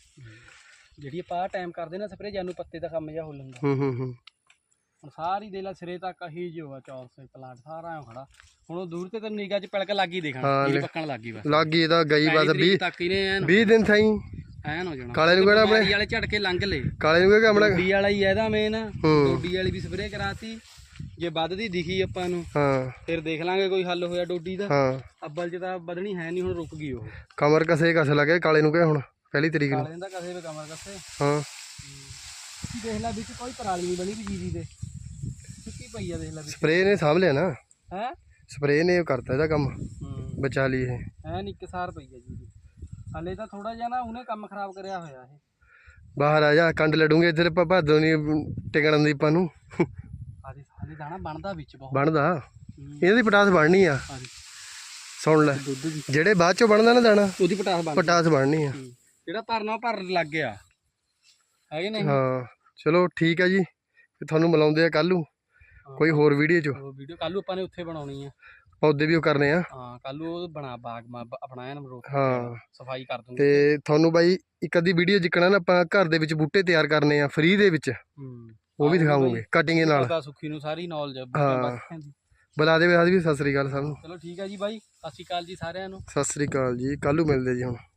ਜਿਹੜੀ ਆਪਾਂ ਟਾਈਮ ਕਰਦੇ ਨਾ ਸਪਰੇਅ, ਜਾਨੂੰ ਪੱਤੇ ਦਾ ਕੰਮ ਜਿਹਾ ਹੋ ਲੈਂਦਾ।
ਹੂੰ ਹੂੰ ਹੂੰ
ਹੁਣ ਸਾਰੀ ਦੇ ਲਾ ਸਿਰੇ ਤੱਕ ਹੀ ਜੋ ਆ ਚੌਰ ਸੇ ਪਲਾਂਟ ਸਾਰਾ ਐਂ ਖੜਾ। ਹੁਣ ਉਹ ਦੂਰ ਤੇ ਤੈਨੂੰ ਨਿਗਾਹ ਚ ਪਿਲਕ ਲੱਗੀ ਦੇਖਣ,
ਹਾਂ,
ਜਿਹੜੀ
ਲੈ।
ਪੱਕਣ ਲੱਗੀ ਬਸ।
ਲੱਗ ਗਈ ਇਹਦਾ ਗਈ ਬਸ
ਤਰੀਕ
ਵੀਹ
ਤੱਕ ਇਹਨੇ ਐਨ
ਵੀਹ ਦਿਨ ਥਾਈ।
ਐਨ ਹੋ ਜਾਣਾ।
ਕਾਲੇ ਨੂੰ ਕਿਹੜਾ ਆਪਣੇ
ਬਿਮਾਰੀ ਵਾਲੇ ਝਟਕੇ ਲੰਘ ਲੇ।
ਕਾਲੇ ਨੂੰ ਕਿਹੜਾ ਆਪਣਾ।
ਡੋਡੀ ਵਾਲਾ ਹੀ ਇਹਦਾ ਮੇਨ।
ਹੂੰ।
ਡੋਡੀ ਵਾਲੀ ਵੀ ਸਪਰੇਅ ਕਰਾਤੀ, ਜੇ ਵੱਧਦੀ ਦਿਖੀ ਆਪਾਂ ਨੂੰ
ਹਾਂ
ਫਿਰ ਦੇਖ ਲਾਂਗੇ ਕੋਈ ਹੱਲ ਹੋਇਆ ਡੋਡੀ ਦਾ।
ਹਾਂ
ਅੱਬਲ ਚ ਤਾਂ ਵਧਣੀ ਹੈ ਨਹੀਂ, ਹੁਣ ਰੁਕ ਗਈ ਉਹ।
ਕਮਰ ਕਸੇ ਕਸ ਲੱਗੇ ਕਾਲੇ ਨੂੰ ਕਿਹਾ ਹੁਣ ਪਹਿਲੀ ਤਰੀਕ ਨੂੰ।
ਕਾਲੇ ਦਾ ਕਸੇ ਵੇ ਕਮਰ ਕਸੇ।
ਹਾਂ
ਤੁਸੀਂ ਦੇਖ ਲੈ ਵਿੱਚ ਕੋਈ ਪਰਾਲੀ ਨਹੀਂ ਬਣੀ ਵੀ ਜੀਰੀ ਦੇ, ਸੁੱਕੀ ਪਈ ਆ ਦੇਖ ਲੈ ਵਿੱਚ।
ਸਪਰੇਅ ਨੇ ਸਾਂਭ ਲਿਆ ਨਾ।
ਹੈ
ਸਪਰੇਅ ਨੇ ਉਹ ਕਰਤਾ ਇਹਦਾ ਕੰਮ,
ਹੂੰ
ਬਚਾ ਲਈ ਇਹ।
ਐਨ ਇੱਕ ਸਾਰ ਪਈ ਆ ਜੀਰੀ। ਹਲੇ ਤਾਂ ਥੋੜਾ ਜਿਹਾ ਨਾ ਉਹਨੇ ਕੰਮ ਖਰਾਬ ਕਰਿਆ ਹੋਇਆ ਇਹ।
ਬਾਹਰ ਆ ਜਾ ਕੰਡ ਲੜੂਗੇ ਇੱਧਰ ਆਪਾਂ ਭਾਦੋਂ ਨਹੀਂ ਟਿਕਣ ਦੀ ਆਪਾਂ ਨੂੰ।
ਆਦੀ ਸਾਲੀ ਦਾਣਾ ਬਣਦਾ ਵਿੱਚ ਬਹੁਤ।
ਬਣਦਾ
ਹੂੰ।
ਇਹਨਾਂ ਦੀ ਪਟਾਸ ਬਣਨੀ ਆ।
ਆਦੀ
ਸੁਣ ਲੈ
ਦੁੱਧ ਦੀ
ਜਿਹੜੇ ਬਾਅਦ ਚੋਂ ਬਣਦਾ ਨਾ ਦਾਣਾ,
ਉਹਦੀ ਪਟਾਸ ਬਣ
ਪਟਾਸ ਬਣਨੀ ਆ।
ਹੂੰ। ਜਿਹੜਾ ਭਰਨਾ ਉਹ ਭਰਨ ਲੱਗ ਗਿਆ, ਹੈ ਕਿ ਨਹੀਂ।
ਹਾਂ ਚਲੋ ਠੀਕ ਆ ਜੀ, ਫਿਰ ਤੁਹਾਨੂੰ ਮਿਲਾਉਂਦੇ ਆ ਕੱਲ ਨੂੰ ਕੋਈ ਹੋਰ ਵੀਡੀਓ 'ਚ।
ਉਹ ਵੀਡੀਓ ਕੱਲ ਨੂੰ ਆਪਾਂ ਨੇ ਉੱਥੇ ਬਣਾਉਣੀ ਆ।
ਪੌਦੇ ਵੀ ਉਹ ਕਰਨੇ ਆ।
ਹਾਂ ਕੱਲ ਨੂੰ ਉਹ ਬਣਾ ਬਾਗ ਮਾ ਆਪਣਾ ਐਨ ਰੋਕ
ਹਾਂ
ਸਫਾਈ ਕਰ ਦੂੰਗੇ।
ਤੇ ਤੁਹਾਨੂੰ ਬਾਈ ਇੱਕ ਅੱਧੀ ਵੀਡੀਓ ਜਿੱਕਣਾ ਨਾ ਆਪਾਂ ਘਰ ਦੇ ਵਿੱਚ ਬੂਟੇ ਤਿਆਰ ਕਰਨੇ ਆ ਫ੍ਰੀ ਦੇ ਵਿੱਚ,
ਹੂੰ
ਉਹ ਵੀ ਦਿਖਾਵਾਂਗੇ ਕਟਿੰਗ ਦੇ ਨਾਲ।
ਪਤਾ ਸੁੱਖੀ ਨੂੰ ਸਾਰੀ ਨੌਲੇਜ
ਹਾਂ। ਬੁਲਾ ਦੇ ਵੀ ਸਤਿ ਸ੍ਰੀ ਅਕਾਲ ਸਭ ਨੂੰ।
ਚਲੋ ਠੀਕ ਹੈ ਜੀ ਬਾਈ, ਸਤਿ ਸ਼੍ਰੀ ਅਕਾਲ ਜੀ ਸਾਰਿਆਂ ਨੂੰ।
ਸਤਿ ਸ੍ਰੀ ਅਕਾਲ ਜੀ, ਕੱਲ ਨੂੰ ਮਿਲਦੇ ਜੀ ਹੁਣ।